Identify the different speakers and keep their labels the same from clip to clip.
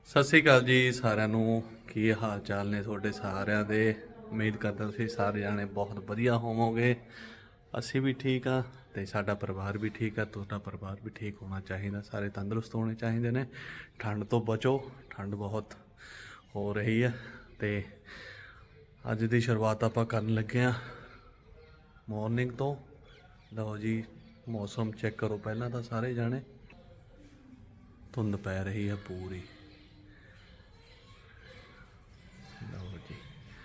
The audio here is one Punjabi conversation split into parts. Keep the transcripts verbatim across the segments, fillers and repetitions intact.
Speaker 1: ਸਤਿ ਸ਼੍ਰੀ ਅਕਾਲ ਜੀ ਸਾਰਿਆਂ ਨੂੰ। ਕੀ ਹਾਲ ਚਾਲ ਨੇ ਤੁਹਾਡੇ ਸਾਰਿਆਂ ਦੇ? ਉਮੀਦ ਕਰਦਾ ਤੁਸੀਂ ਸਾਰੇ ਜਾਣੇ ਬਹੁਤ ਵਧੀਆ ਹੋਵੋਗੇ। ਅਸੀਂ ਵੀ ਠੀਕ ਆ ਤੇ ਸਾਡਾ ਪਰਿਵਾਰ ਵੀ ਠੀਕ ਆ। ਤੁਹਾਡਾ ਪਰਿਵਾਰ ਵੀ ਠੀਕ ਹੋਣਾ ਚਾਹੀਦਾ। ਸਾਰੇ ਤੰਦਰੁਸਤ ਹੋਣੇ ਚਾਹੀਦੇ ਨੇ। ਠੰਡ ਤੋਂ ਬਚੋ, ਠੰਡ ਬਹੁਤ ਹੋ ਰਹੀ ਹੈ। ਤੇ ਅੱਜ ਦੀ ਸ਼ੁਰੂਆਤ ਆਪਾਂ ਕਰਨ ਲੱਗੇ ਹਾਂ ਮਾਰਨਿੰਗ ਤੋਂ। ਲਓ ਜੀ, ਮੌਸਮ ਚੈੱਕ ਕਰੋ ਪਹਿਲਾਂ ਤਾਂ ਸਾਰੇ ਜਾਣੇ। ਧੁੰਦ ਪੈ ਰਹੀ ਹੈ ਪੂਰੀ। ਲਓ ਜੀ,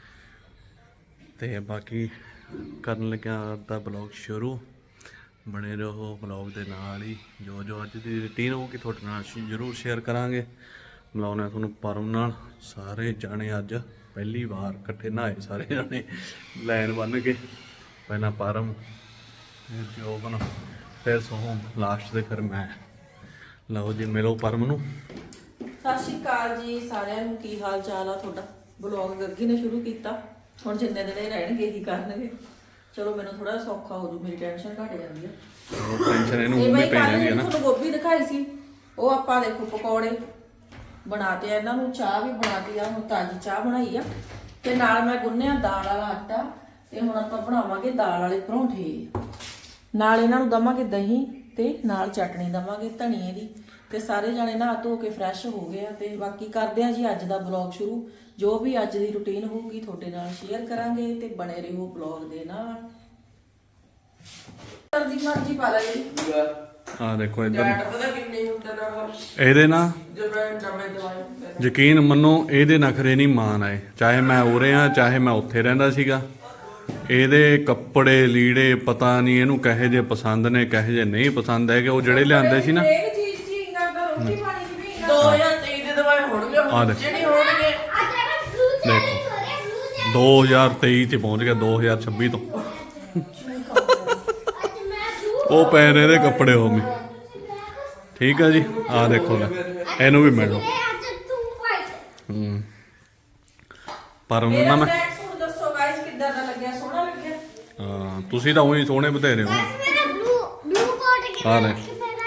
Speaker 1: ਤੇ ਬਾਕੀ ਕਰਨ ਲੱਗਿਆ ਦਾ ਬਲੌਗ ਸ਼ੁਰੂ। ਬਣੇ ਰਹੋ ਬਲੌਗ ਦੇ ਨਾਲ ਹੀ। ਜੋ ਜੋ ਅੱਜ ਦੀ ਰੂਟੀਨ ਹੋਊਗੀ ਤੁਹਾਡੇ ਨਾਲ ਅਸੀਂ ਜ਼ਰੂਰ ਸ਼ੇਅਰ ਕਰਾਂਗੇ। ਮਿਲਾਉਂਦੇ ਤੁਹਾਨੂੰ ਪਰਮ ਨਾਲ। ਸਾਰੇ ਜਾਣੇ ਅੱਜ ਪਹਿਲੀ ਵਾਰ ਇਕੱਠੇ ਨਹਾਏ ਸਾਰੇ ਜਾਣੇ ਲਾਈਨ ਬੰਨ੍ਹ ਕੇ। ਪਹਿਲਾਂ ਪਰਮ, ਫਿਰ ਜੋਬਨ, ਫਿਰ ਸੋਹਮ, ਲਾਸਟ ਤੇ ਫਿਰ ਮੈਂ। ਲਓ ਜੀ, ਮਿਲੋ ਪਰਮ ਨੂੰ।
Speaker 2: ਸਤਿ ਸ਼੍ਰੀ ਅਕਾਲ ਜੀ ਸਾਰਿਆਂ ਨੂੰ। ਕੀ ਹਾਲ ਚਾਲ ਆ ਤੁਹਾਡਾ? ਬਲੌਗ ਗੱਗੀ ਨੇ ਸ਼ੁਰੂ ਕੀਤਾ, ਹੁਣ ਜਿੰਨੇ ਦਿਨ ਇਹ ਰਹਿਣਗੇ ਹੀ ਕਰਨਗੇ। ਚਲੋ ਮੈਨੂੰ ਥੋੜਾ ਸੌਖਾ ਹੋ ਜੂ, ਮੇਰੀ ਟੈਨਸ਼ਨ ਘਟ ਜਾਂਦੀ ਆ।
Speaker 1: ਟੈਨਸ਼ਨ ਇਹਨੂੰ
Speaker 2: ਇਹ
Speaker 1: ਵੀ
Speaker 2: ਬਈ
Speaker 1: ਪੈ
Speaker 2: ਕੱਲ
Speaker 1: ਜਾਂਦੀ ਹੈ ਨਾ।
Speaker 2: ਤੁਹਾਨੂੰ ਗੋਭੀ ਦਿਖਾਈ ਸੀ, ਉਹ ਆਪਾਂ ਦੇਖੋ ਪਕੌੜੇ ਬਣਾਤੇ ਆ। ਇਹਨਾਂ ਨੂੰ ਚਾਹ ਵੀ ਬਣਾਤੀ ਆ, ਹੁਣ ਤਾਜ਼ੀ ਚਾਹ ਬਣਾਈ ਆ। ਤੇ ਨਾਲ ਮੈਂ ਗੁੰਨਿਆ ਦਾਲ ਵਾਲਾ ਆਟਾ। ਤੇ ਹੁਣ ਆਪਾਂ ਬਣਾਵਾਂਗੇ ਦਾਲ ਵਾਲੇ ਪਰੌਂਠੇ। ਨਾਲ ਇਹਨਾਂ ਨੂੰ ਦਵਾਂਗੇ ਦਹੀਂ ਤੇ ਨਾਲ ਚਟਣੀ ਦਵਾਂਗੇ ਧਨੀਏ ਦੀ। ਤੇ ਸਾਰੇ ਜਾਣੇ ਨਹਾ ਧੋ ਕੇ ਫਰੈਸ਼ ਹੋ ਗਏ ਆ। ਤੇ ਬਾਕੀ ਕਰਦੇ ਆ ਜੀ ਅੱਜ ਦਾ ਬਲੌਗ ਸ਼ੁਰੂ। ਜੋ ਵੀ ਅੱਜ ਦੀ ਰੁਟੀਨ ਹੋਊਗੀ ਤੁਹਾਡੇ ਨਾਲ ਸ਼ੇਅਰ ਕਰਾਂਗੇ ਤੇ ਬਣੇ ਰਹੋ ਬਲੌਗ ਦੇ ਨਾਲ। ਦੀ ਮਰਜ਼ੀ ਪਾ ਲੈ ਜੀ।
Speaker 1: ਆ ਦੇਖੋ ਇੱਧਰ
Speaker 2: ਪਤਾ ਕਿੰਨੇ ਹੁੰਦੇ ਨਾ
Speaker 1: ਇਹਦੇ ਨਾ
Speaker 2: ਜਦੋਂ ਨਵੇਂ ਦਵਾਈ
Speaker 1: ਯਕੀਨ ਮੰਨੋ, ਇਹਦੇ ਨਖਰੇ ਨਹੀਂ ਮਾਨ ਆਏ। ਚਾਹੇ ਮੈਂ ਉਰੇ ਆ, ਚਾਹੇ ਮੈਂ ਉੱਥੇ ਰਹਿੰਦਾ ਸੀਗਾ। ਇਹਦੇ ਕੱਪੜੇ ਲੀੜੇ ਪਤਾ ਨਹੀਂ ਇਹਨੂੰ ਕਹੇ ਜੇ ਪਸੰਦ ਨੇ ਕਹੇ ਜੇ ਨਹੀਂ ਪਸੰਦ ਹੈਗੇ। ਉਹ ਜਿਹੜੇ ਲਿਆਂਦੇ ਸੀ ਨਾ
Speaker 2: ਦੋ ਹਜ਼ਾਰ ਤੇਈ ਦੇ ਦਵਾਈ ਹੋਣਗੇ, ਹੁਣ ਜਿਹੜੀ ਹੋਣਗੇ
Speaker 1: ਦੇਖੋ ਦੋ ਹਜ਼ਾਰ ਤੇਈ ਚ ਪਹੁੰਚ ਗਿਆ ਦੋ ਹਜ਼ਾਰ ਛੱਬੀ ਤੋਂ। ਉਹ ਪੈ ਨੇ ਇਹਦੇ ਕੱਪੜੇ ਉਹ ਵੀ। ਠੀਕ ਆ ਜੀ, ਆਹ ਦੇਖੋ ਲੈ ਇਹਨੂੰ ਵੀ ਮਿਲੋ। ਹੂੰ ਪਰ ਉਹਨਾਂ ਨਾ ਮੈਂ
Speaker 2: ਦੱਸੋ ਗਾਇਸ ਕਿੱਦਾਂ ਦਾ ਲੱਗਿਆ? ਸੋਹਣਾ ਲੱਗਿਆ?
Speaker 1: ਹਾਂ, ਤੁਸੀਂ ਤਾਂ ਉਹੀ ਸੋਹਣੇ ਬਥੇਰੇ ਹੋ। ਹਾਂ ਲੈ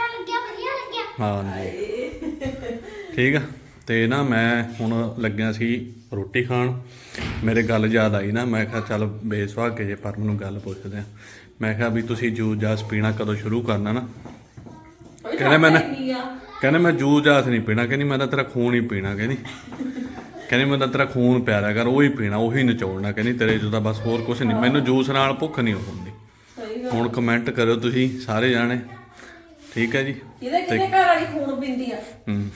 Speaker 1: ਹਾਂਜੀ, ਠੀਕ ਆ। ਤੇ ਨਾ ਮੈਂ ਹੁਣ ਲੱਗਿਆ ਸੀ ਰੋਟੀ ਖਾਣ। ਮੇਰੇ ਗੱਲ ਯਾਦ ਆਈ ਨਾ, ਮੈਂ ਕਿਹਾ ਚੱਲ ਬੇਸੁਹਾਗੇ ਜੇ ਪਰਮ ਨੂੰ ਗੱਲ ਪੁੱਛਦੇ ਆ। ਮੈਂ ਕਿਹਾ ਵੀ ਤੁਸੀਂ ਜੂਸ ਜਾਸ ਪੀਣਾ ਕਦੋਂ ਸ਼ੁਰੂ ਕਰਨਾ ਨਾ? ਕਹਿੰਦੇ ਮੈਂ ਕਹਿੰਦੇ ਮੈਂ ਜੂਸ ਜਾਸ ਨਹੀਂ ਪੀਣਾ। ਕਹਿੰਦੀ ਮੈਂ ਤਾਂ ਤੇਰਾ ਖੂਨ ਹੀ ਪੀਣਾ। ਕਹਿੰਦੀ ਕਹਿੰਦੀ ਮੈਂ ਤਾਂ ਤੇਰਾ ਖੂਨ ਪਿਆਰਾ ਕਰ, ਉਹੀ ਪੀਣਾ, ਉਹੀ ਨਿਚੋੜਨਾ। ਕਹਿੰਦੀ ਤੇਰੇ 'ਚ ਤਾਂ ਬਸ ਹੋਰ ਕੁਛ ਨਹੀਂ। ਮੈਨੂੰ ਜੂਸ ਨਾਲ ਭੁੱਖ ਨਹੀਂ ਹੁੰਦੀ। ਹੁਣ ਕਮੈਂਟ ਕਰਿਓ ਤੁਸੀਂ ਸਾਰੇ ਜਾਣੇ, ਠੀਕ ਹੈ ਜੀ।
Speaker 2: ਇਹਦੇ ਕਿਹਦੇ ਘਰ ਵਾਲੀ ਖੂਨ ਪੀਂਦੀ ਆ?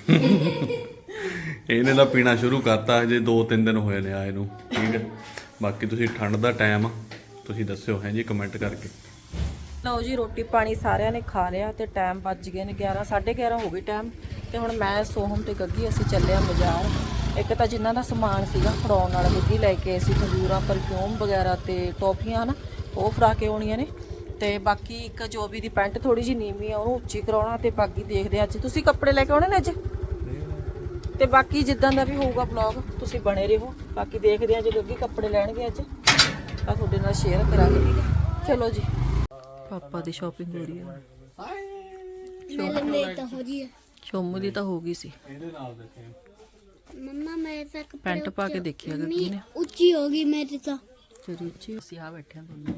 Speaker 1: ਇਹਨੇ ਤਾਂ ਪੀਣਾ ਸ਼ੁਰੂ ਕਰਤਾ, ਹਜੇ ਦੋ ਤਿੰਨ ਦਿਨ ਹੋਏ ਨੇ ਆਏ ਨੂੰ। ਠੀਕ ਹੈ, ਬਾਕੀ ਤੁਸੀਂ ਠੰਡ ਦਾ ਟਾਈਮ ਆ, ਤੁਸੀਂ ਦੱਸਿਓ ਹੈ ਜੀ ਕਮੈਂਟ ਕਰਕੇ।
Speaker 2: ਲਓ ਜੀ, ਰੋਟੀ ਪਾਣੀ ਸਾਰਿਆਂ ਨੇ ਖਾ ਲਿਆ ਤੇ ਟਾਈਮ ਵੱਜ ਗਏ ਨੇ ਗਿਆਰਾਂ ਸਾਢੇ ਗਿਆਰਾਂ ਹੋ ਗਏ ਟਾਈਮ। ਤੇ ਹੁਣ ਮੈਂ ਸੋਹਮ ਤੇ ਗੱਗੀ ਅਸੀਂ ਚੱਲੇ ਆ ਬਾਜ਼ਾਰ। ਇੱਕ ਤਾਂ ਜਿਨ੍ਹਾਂ ਦਾ ਸਮਾਨ ਸੀਗਾ ਫੜਾਉਣ ਵਾਲਾ ਗੱਗੀ ਲੈ ਕੇ ਆਏ ਸੀ, ਖਜੂਰਾਂ ਪਰਫਿਊਮ ਵਗੈਰਾ ਤੇ ਟੌਫੀਆਂ ਨਾ, ਉਹ ਫੜਾ ਕੇ ਆਉਣੀਆਂ ਨੇ। ਤੇ ਬਾਕੀ ਇੱਕ ਜੋਬੀ ਦੀ ਪੈਂਟ ਥੋੜੀ ਜਿਹੀ ਨੀਵੀਂ ਆ, ਉਹਨੂੰ ਉੱਚੀ ਕਰਾਉਣਾ। ਤੇ ਬਾਕੀ ਦੇਖਦੇ ਅੱਜ ਤੁਸੀਂ ਕੱਪੜੇ ਲੈ ਕੇ ਆਉਣੇ ਨੇ ਅੱਜ। ਤੇ ਬਾਕੀ ਜਿੱਦਾਂ ਦਾ ਵੀ ਹੋਊਗਾ ਬਲੌਗ ਤੁਸੀਂ ਬਣੇ ਰਹੋ। ਬਾਕੀ ਦੇਖਦੇ ਆ ਜੇ ਗੱਗੀ ਕੱਪੜੇ ਲੈਣਗੇ ਅੱਜ ਤਾਂ ਤੁਹਾਡੇ ਨਾਲ ਸ਼ੇਅਰ ਕਰਾਂਗੇ। ਠੀਕ ਹੈ, ਚਲੋ ਜੀ। ਪਾਪਾ ਦੀ ਸ਼ਾਪਿੰਗ ਹੋ ਰਹੀ ਹੈ। ਸ਼ੋਮੂ ਦੀ ਤਾਂ ਹੋ ਗਈ ਸੀ।
Speaker 3: मम्मा मेरे से कपड़े
Speaker 2: ਪੈਂਟ ਪਾ ਕੇ ਦੇਖਿਆ ਗੱਗੀ ਨੇ,
Speaker 3: ऊंची होगी मेरी तो।
Speaker 2: ਤੇਰੀ ਉੱਚੀ। ਅਸੀਂ ਆ ਬੈਠੇ ਆ ਦੋਨੋਂ।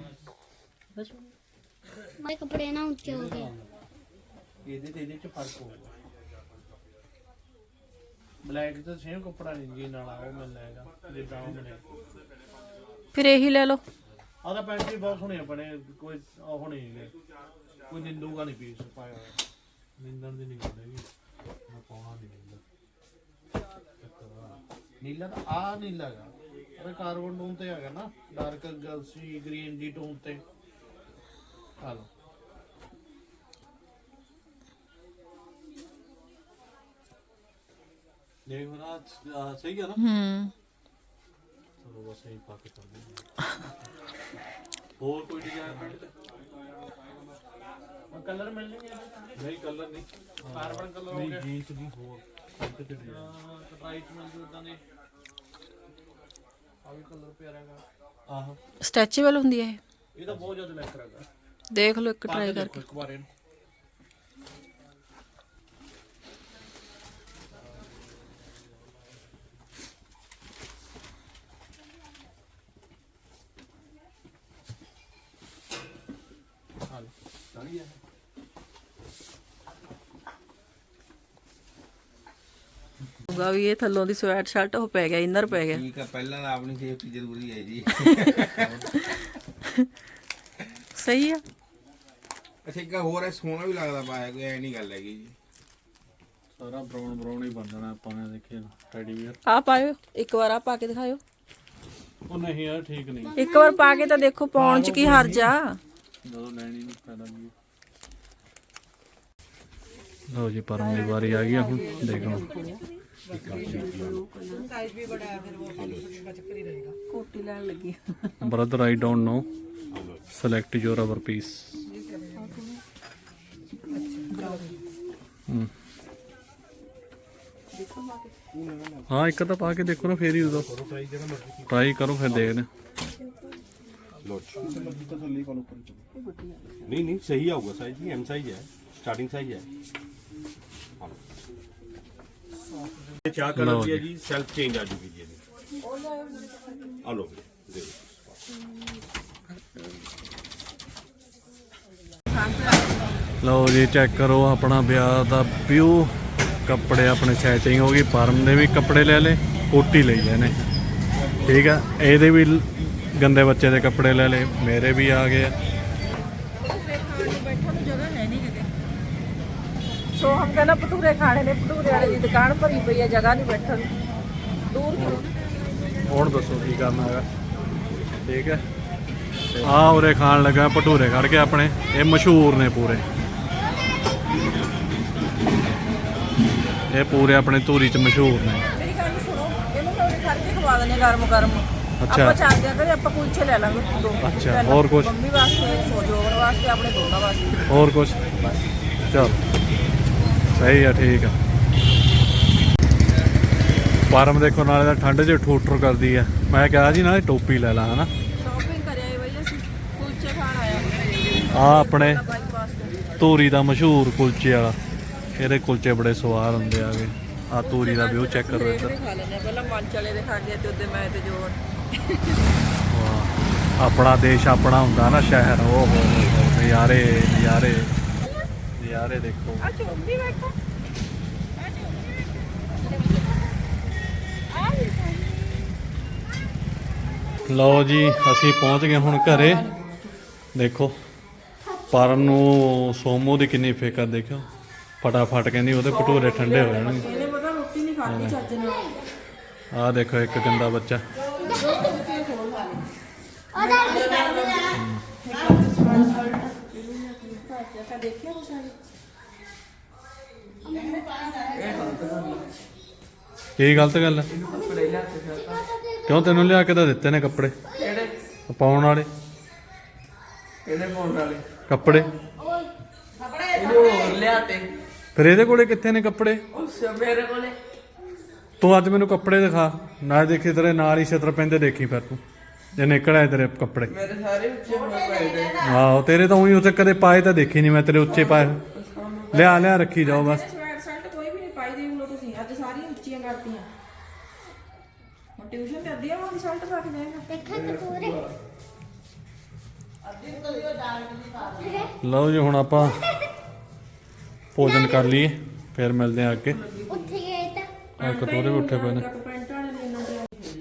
Speaker 3: मेरे कपड़े ना ऊंचे हो गए।
Speaker 4: ਇਹਦੇ ਤੇ ਇਹਦੇ ਚ ਫਰਕ ਹੋਊਗਾ। ਬਲੈਕ ਤਾਂ ਸੇਮ ਕੱਪੜਾ ਨਹੀਂ ਜੀ ਨਾਲ ਉਹ ਮਿਲ ਜਾਏਗਾ ਜਿੱਦਾਂ ਉਹ ਬਣੇ।
Speaker 2: ਫਿਰ ਇਹੀ ਲੈ ਲਓ।
Speaker 4: ਆਹ ਤਾਂ ਪੈਂਟ ਵੀ ਬਹੁਤ ਸੋਹਣੇ ਬਣੇ, ਕੋਈ ਉਹ ਨਹੀਂ ਹੈਗੇ, ਕੋਈ ਨਿੰਦੂਗਾ ਨਹੀਂ ਪੀਸ ਪਾਇਆ ਹੋਇਆ। ਨਿੰਦਣ ਦੀ ਨਹੀਂ ਗੱਲ ਹੈਗੀ, ਮੈਂ ਪਾਉਣਾ ਨਹੀਂ ਨੀਲਾ। ਨੀਲਾ ਤਾਂ ਆਹ ਨੀਲਾ ਹੈਗਾ, ਉਹਦੇ ਕਾਰਬਨ ਟੋਨ ਤੇ ਹੈਗਾ ਨਾ, ਡਾਰਕ ਗਲਸੀ ਗ੍ਰੀਨ ਦੀ ਟੋਨ ਤੇ। ਆ ਲਓ
Speaker 1: ਦੇਖ ਨਾ, ਸਹੀ ਆ ਨਾ?
Speaker 2: ਹੂੰ,
Speaker 1: ਚਲੋ ਬਸ ਇਹੀ ਪਾ ਕੇ ਚੱਲਦੇ। ਹੋਰ ਕੋਈ ਡਿਜ਼ਾਈਨ ਪੈਂਟ ਤੇ?
Speaker 4: ਕਲਰ ਮਿਲਣਗੇ
Speaker 1: ਨਹੀਂ ਕਲਰ ਨਹੀਂ,
Speaker 4: ਕਾਰਬਨ ਕਲਰ ਹੋ ਗਿਆ।
Speaker 1: ਜੀਨਸ ਦੀ ਹੋਰ ਪੈਂਟ ਤੇ ਡਿਜ਼ਾਈਨ।
Speaker 4: ਰਾਈਟ ਮਿਲ ਜੂ ਇਦਾਂ ਦੇ। ਆ ਵੀ ਕਲਰ ਪਿਆਰਾ ਹੈਗਾ।
Speaker 1: ਆਹੋ
Speaker 2: ਸਟ੍ਰੈਚੇਬਲ ਹੁੰਦੀ ਹੈ ਇਹ?
Speaker 4: ਇਹ ਤਾਂ ਬਹੁਤ ਜ਼ਿਆਦਾ ਲੈਕਰ ਹੈਗਾ।
Speaker 2: ਦੇਖ ਲਓ ਇੱਕ ਟਰਾਈ ਕਰਕੇ।
Speaker 4: ਇੱਕ ਵਾਰ ਇਹਨੂੰ
Speaker 2: ਹੋਗਾ ਵੀ ਇਹ ਥੱਲੋਂ ਦੀ ਸਵੈਟ ਸ਼ਰਟ ਉਹ ਪੈ ਗਿਆ ਇਨਰ ਪੈ ਗਿਆ
Speaker 5: ਠੀਕ ਆ ਪਹਿਲਾਂ ਤਾਂ ਆਪਣੀ ਸੇਫਟੀ ਜ਼ਰੂਰੀ ਹੈ ਜੀ
Speaker 2: ਸਹੀ ਆ
Speaker 5: ਅੱਛਾ ਇੱਕ ਹੋਰ ਹੈ ਸੋਹਣਾ ਵੀ ਲੱਗਦਾ ਪਾਇਆ ਕੋਈ ਐ ਨਹੀਂ ਗੱਲ ਹੈਗੀ ਜੀ
Speaker 1: ਸਾਰਾ ਬਰਾਊਨ ਬਰਾਊਨ ਹੀ ਬਣ ਜਾਣਾ ਆਪਾਂ ਨੇ ਦੇਖਿਆ ਟੈਡੀ ਵੀਅਰ
Speaker 2: ਆ ਪਾਇਓ ਇੱਕ ਵਾਰ ਆ ਪਾ ਕੇ ਦਿਖਾਇਓ
Speaker 1: ਉਹ ਨਹੀਂ ਯਾਰ ਠੀਕ ਨਹੀਂ
Speaker 2: ਇੱਕ ਵਾਰ ਪਾ ਕੇ ਤਾਂ ਦੇਖੋ ਪਾਉਣ ਚ ਕੀ ਹਰਜ ਆ
Speaker 1: ਜਦੋਂ ਲੈਣੀ ਨਹੀਂ ਫਾਇਦਾ ਨਹੀਂ ਲਓ ਜੀ ਪਰਮ ਦੀ ਵਾਰੀ ਆ ਗਈ ਆ ਹੁਣ ਦੇਖੋ
Speaker 2: ਕੋਟੀ ਲੈਣ ਲੱਗੀ
Speaker 1: brother I don't know select your our piece ਹਮ। ਹਾਂ ਇੱਕ ਤਾਂ ਪਾ ਕੇ ਦੇਖੋ ਨਾ ਫੇਰ ਹੀ ਉਦੋਂ ਟਰਾਈ ਕਰੋ ਫਿਰ ਦੇਖਦੇ
Speaker 6: नहीं नहीं सही आऊगा साइज भी एम साइज है स्टार्टिंग साइज है ये क्या कलर
Speaker 1: लो
Speaker 6: दिया
Speaker 1: जी।
Speaker 6: जी सेल्फ चेंज आ चुकी है जी आ लो दे दो
Speaker 1: ਲਓ ਜੀ ਚੈੱਕ ਕਰੋ ਆਪਣਾ ਵਿਆਹ ਦਾ ਵਿਊ ਕੱਪੜੇ ਆਪਣੇ ਸੈਟਿੰਗ ਹੋ ਗਈ ਪਰਮ ਦੇ ਵੀ ਕੱਪੜੇ ਲੈ ਲਏ ਕੋਟੀ ਲਈ ਇਹਨੇ ਠੀਕ ਆ ਇਹਦੇ ਵੀ ਲ- ਗੰਦੇ ਬੱਚੇ ਦੇ ਕੱਪੜੇ ਲੈ ਲਏ ਮੇਰੇ ਵੀ ਆ ਗਏ ਆ
Speaker 2: ਬੈਠਣ ਨੂੰ ਜਗ੍ਹਾ ਹੈ ਨਹੀਂ ਕਿਤੇ ਸੋ ਹਮ ਕਹਿੰਦਾ ਭਟੂਰੇ ਖਾਣੇ ਨੇ ਭਟੂਰੇ ਵਾਲੇ ਦੀ ਦੁਕਾਨ ਭਰੀ ਪਈ ਹੈ ਜਗ੍ਹਾ ਨਹੀਂ ਬੈਠਣ ਨੂੰ ਦੂਰ ਕਰੋ
Speaker 1: ਹੁਣ ਦੱਸੋ ਕੀ ਕਰਨਾ ਹੈਗਾ ਠੀਕ ਹੈ ਆ ਉਰੇ ਖਾਣ ਲੱਗਾ ਭਟੂਰੇ ਖੜ ਕੇ ਆਪਣੇ ਇਹ ਮਸ਼ਹੂਰ ਨੇ ਪੂਰੇ ਇਹ ਪੂਰੇ ਆਪਣੇ ਧੂਰੀ ਚ ਮਸ਼ਹੂਰ ਨੇ
Speaker 2: ਮੇਰੀ ਗੱਲ ਸੁਣੋ ਇਹਨੂੰ ਮੈਂ ਉਰੇ ਖੜ ਕੇ ਖਵਾ ਦਿੰਦੇ ਗਰਮ ਗਰਮ
Speaker 1: ਅੱਛਾ।
Speaker 2: ਆਪਾਂ ਚੱਲਦੇ ਆ ਕਰੇ ਆਪਾਂ ਕੁਲਚੇ ਲੈ ਲਾਂਗੇ ਦੋ
Speaker 1: ਅੱਛਾ,
Speaker 2: ਪਹਿਲਾਂ
Speaker 1: ਹੋਰ ਕੁਛ?
Speaker 2: ਮੰਮੀ ਵਾਸਤੇ ਸੋਜੋਵਨ ਵਾਸਤੇ ਆਪਣੇ ਦੋਨਾਂ ਵਾਸਤੇ
Speaker 1: ਹੋਰ ਕੁਛ ਚਲ ਸਹੀ ਆ ਠੀਕ ਆ ਪਰਮ ਦੇਖੋ ਨਾਲੇ ਤਾਂ ਠੰਡ 'ਚ ਠੂਠਰ ਕਰਦੀ ਆ ਮੈਂ ਕਿਹਾ ਸੀ ਨਾਲੇ ਟੋਪੀ ਲੈ ਲਾ ਹਨਾ
Speaker 2: ਸ਼ਾਪਿੰਗ ਕਰਿਆ ਬਈ ਅਸੀਂ ਕੁਲਚੇ ਖਾਣ ਆਇਆ
Speaker 1: ਆ ਆਪਣੇ
Speaker 2: ਬਾਈਕ ਵਾਸਤੇ
Speaker 1: ਧੂਰੀ ਦਾ ਮਸ਼ਹੂਰ ਕੁਲਚੇ ਵਾਲਾ ਇਹਦੇ ਕੁਲਚੇ ਬੜੇ ਸਵਾਦ ਹੁੰਦੇ ਆਗੇ ਆ ਧੂਰੀ ਦਾ ਵਿਊ ਚੈੱਕ ਕਰੋ ਇੱਧਰ
Speaker 2: ਖਾ ਲੈਣੇ ਪਹਿਲਾਂ ਮੰਚ ਵਾਲੇ ਦੇ ਖਾ ਗਏ ਤੇ ਉਹਦੇ ਮੈਂ ਤੇ ਜੋੜ
Speaker 1: ਵਾਹ ਆਪਣਾ ਦੇਸ਼ ਆਪਣਾ ਹੁੰਦਾ ਨਾ ਸ਼ਹਿਰ ਉਹ ਹੋ ਹੋ ਹੋ ਨਜ਼ਾਰੇ ਨਜ਼ਾਰੇ ਨਜ਼ਾਰੇ ਦੇਖੋ
Speaker 2: ਆ ਚੋਂਦੀ ਬੈਠਾ
Speaker 1: ਲਓ ਜੀ ਅਸੀਂ ਪਹੁੰਚ ਗਏ ਹੁਣ ਘਰੇ ਦੇਖੋ ਪਰਮ ਨੂੰ ਸੋਮੋ ਦੀ ਕਿੰਨੀ ਫਿਕਰ ਦੇਖਿਓ ਫਟਾਫਟ ਕਹਿੰਦੀ ਉਹਦੇ ਭਟੂਰੇ ਠੰਡੇ ਹੋ ਜਾਣਗੇ
Speaker 2: ਇਹਨੇ ਪਤਾ ਰੋਟੀ ਨਹੀਂ ਖਾਧੀ ਚੱਜ ਨਾਲ
Speaker 1: ਆਹ ਦੇਖੋ ਇੱਕ ਗੰਦਾ ਬੱਚਾ ਕੀ ਗਲਤ ਗੱਲ ਹੈ ਕਿਉਂ ਤੈਨੂੰ ਲਿਆ ਕੇ ਤਾਂ ਦਿੱਤੇ ਨੇ ਕੱਪੜੇ
Speaker 7: ਕਿਹੜੇ
Speaker 1: ਪਾਉਣ ਵਾਲੇ
Speaker 7: ਕਿਹੜੇ ਪਾਉਣ ਵਾਲੇ
Speaker 1: ਕੱਪੜੇ
Speaker 7: ਇਹਨੂੰ ਹੋਰ ਲਿਆਤੇ
Speaker 1: ਫਿਰ ਇਹਦੇ ਕੋਲੇ ਕਿੱਥੇ ਨੇ ਕੱਪੜੇ
Speaker 7: ਉਸ ਮੇਰੇ ਕੋਲੇ
Speaker 1: ਤੂੰ ਅੱਜ ਮੈਨੂੰ ਕੱਪੜੇ ਦਿਖਾ ਨਾ ਦੇਖੀ ਤੇਰੇ ਨਾਲ ਹੀ ਛਿੱਤਰ ਪੈਂਦੇ ਦੇਖੀ ਫਿਰ ਤੂੰ ਜੇ ਨਿਕਲ ਆਏ ਤੇਰੇ ਕੱਪੜੇ
Speaker 7: ਮੇਰੇ ਸਾਰੇ ਉੱਚੇ ਹੋਏ ਪਏ ਨੇ
Speaker 1: ਆਹੋ ਤੇਰੇ ਤਾਂ ਉਹੀ ਉੱਥੇ ਕਦੇ ਪਾਏ ਤਾਂ ਦੇਖੀ ਨਹੀਂ ਮੈਂ ਤੇਰੇ ਉੱਚੇ ਪਾਏ ਲਿਆ ਲਿਆ ਰੱਖੀ ਜਾਓ ਬਸ
Speaker 2: ਸਵੈਟ ਸ਼ਰਟ ਕੋਈ ਵੀ ਨਹੀਂ ਪਾਈ ਦੇਖ ਲਓ ਤੁਸੀਂ ਅੱਜ ਸਾਰੀਆਂ ਉੱਚੀਆਂ ਕਰਤੀਆਂ ਹੁਣ ਟਿਊਸ਼ਨ ਤੇ ਅੱਧੀਆਂ ਵਾਲੀ ਸ਼ਰਟ ਪਾ ਕੇ ਜਾਏਗਾ
Speaker 3: ਦੇਖਾ ਤੇ ਪੂਰੇ
Speaker 1: ਲਓ ਜੀ ਹੁਣ ਆਪਾਂ ਭੋਜਨ ਕਰ ਲਈਏ ਫਿਰ ਮਿਲਦੇ ਆ ਅੱਗੇ
Speaker 3: ਉੱਥੇ ਗਏ ਤਾਂ
Speaker 1: ਆ ਕਟੋਰੇ ਵੀ ਉੱਠੇ ਪਏ ਨੇ
Speaker 2: ਪੈਂਟ ਵਾਲੇ ਨੇ ਇਹਨਾਂ ਦੇ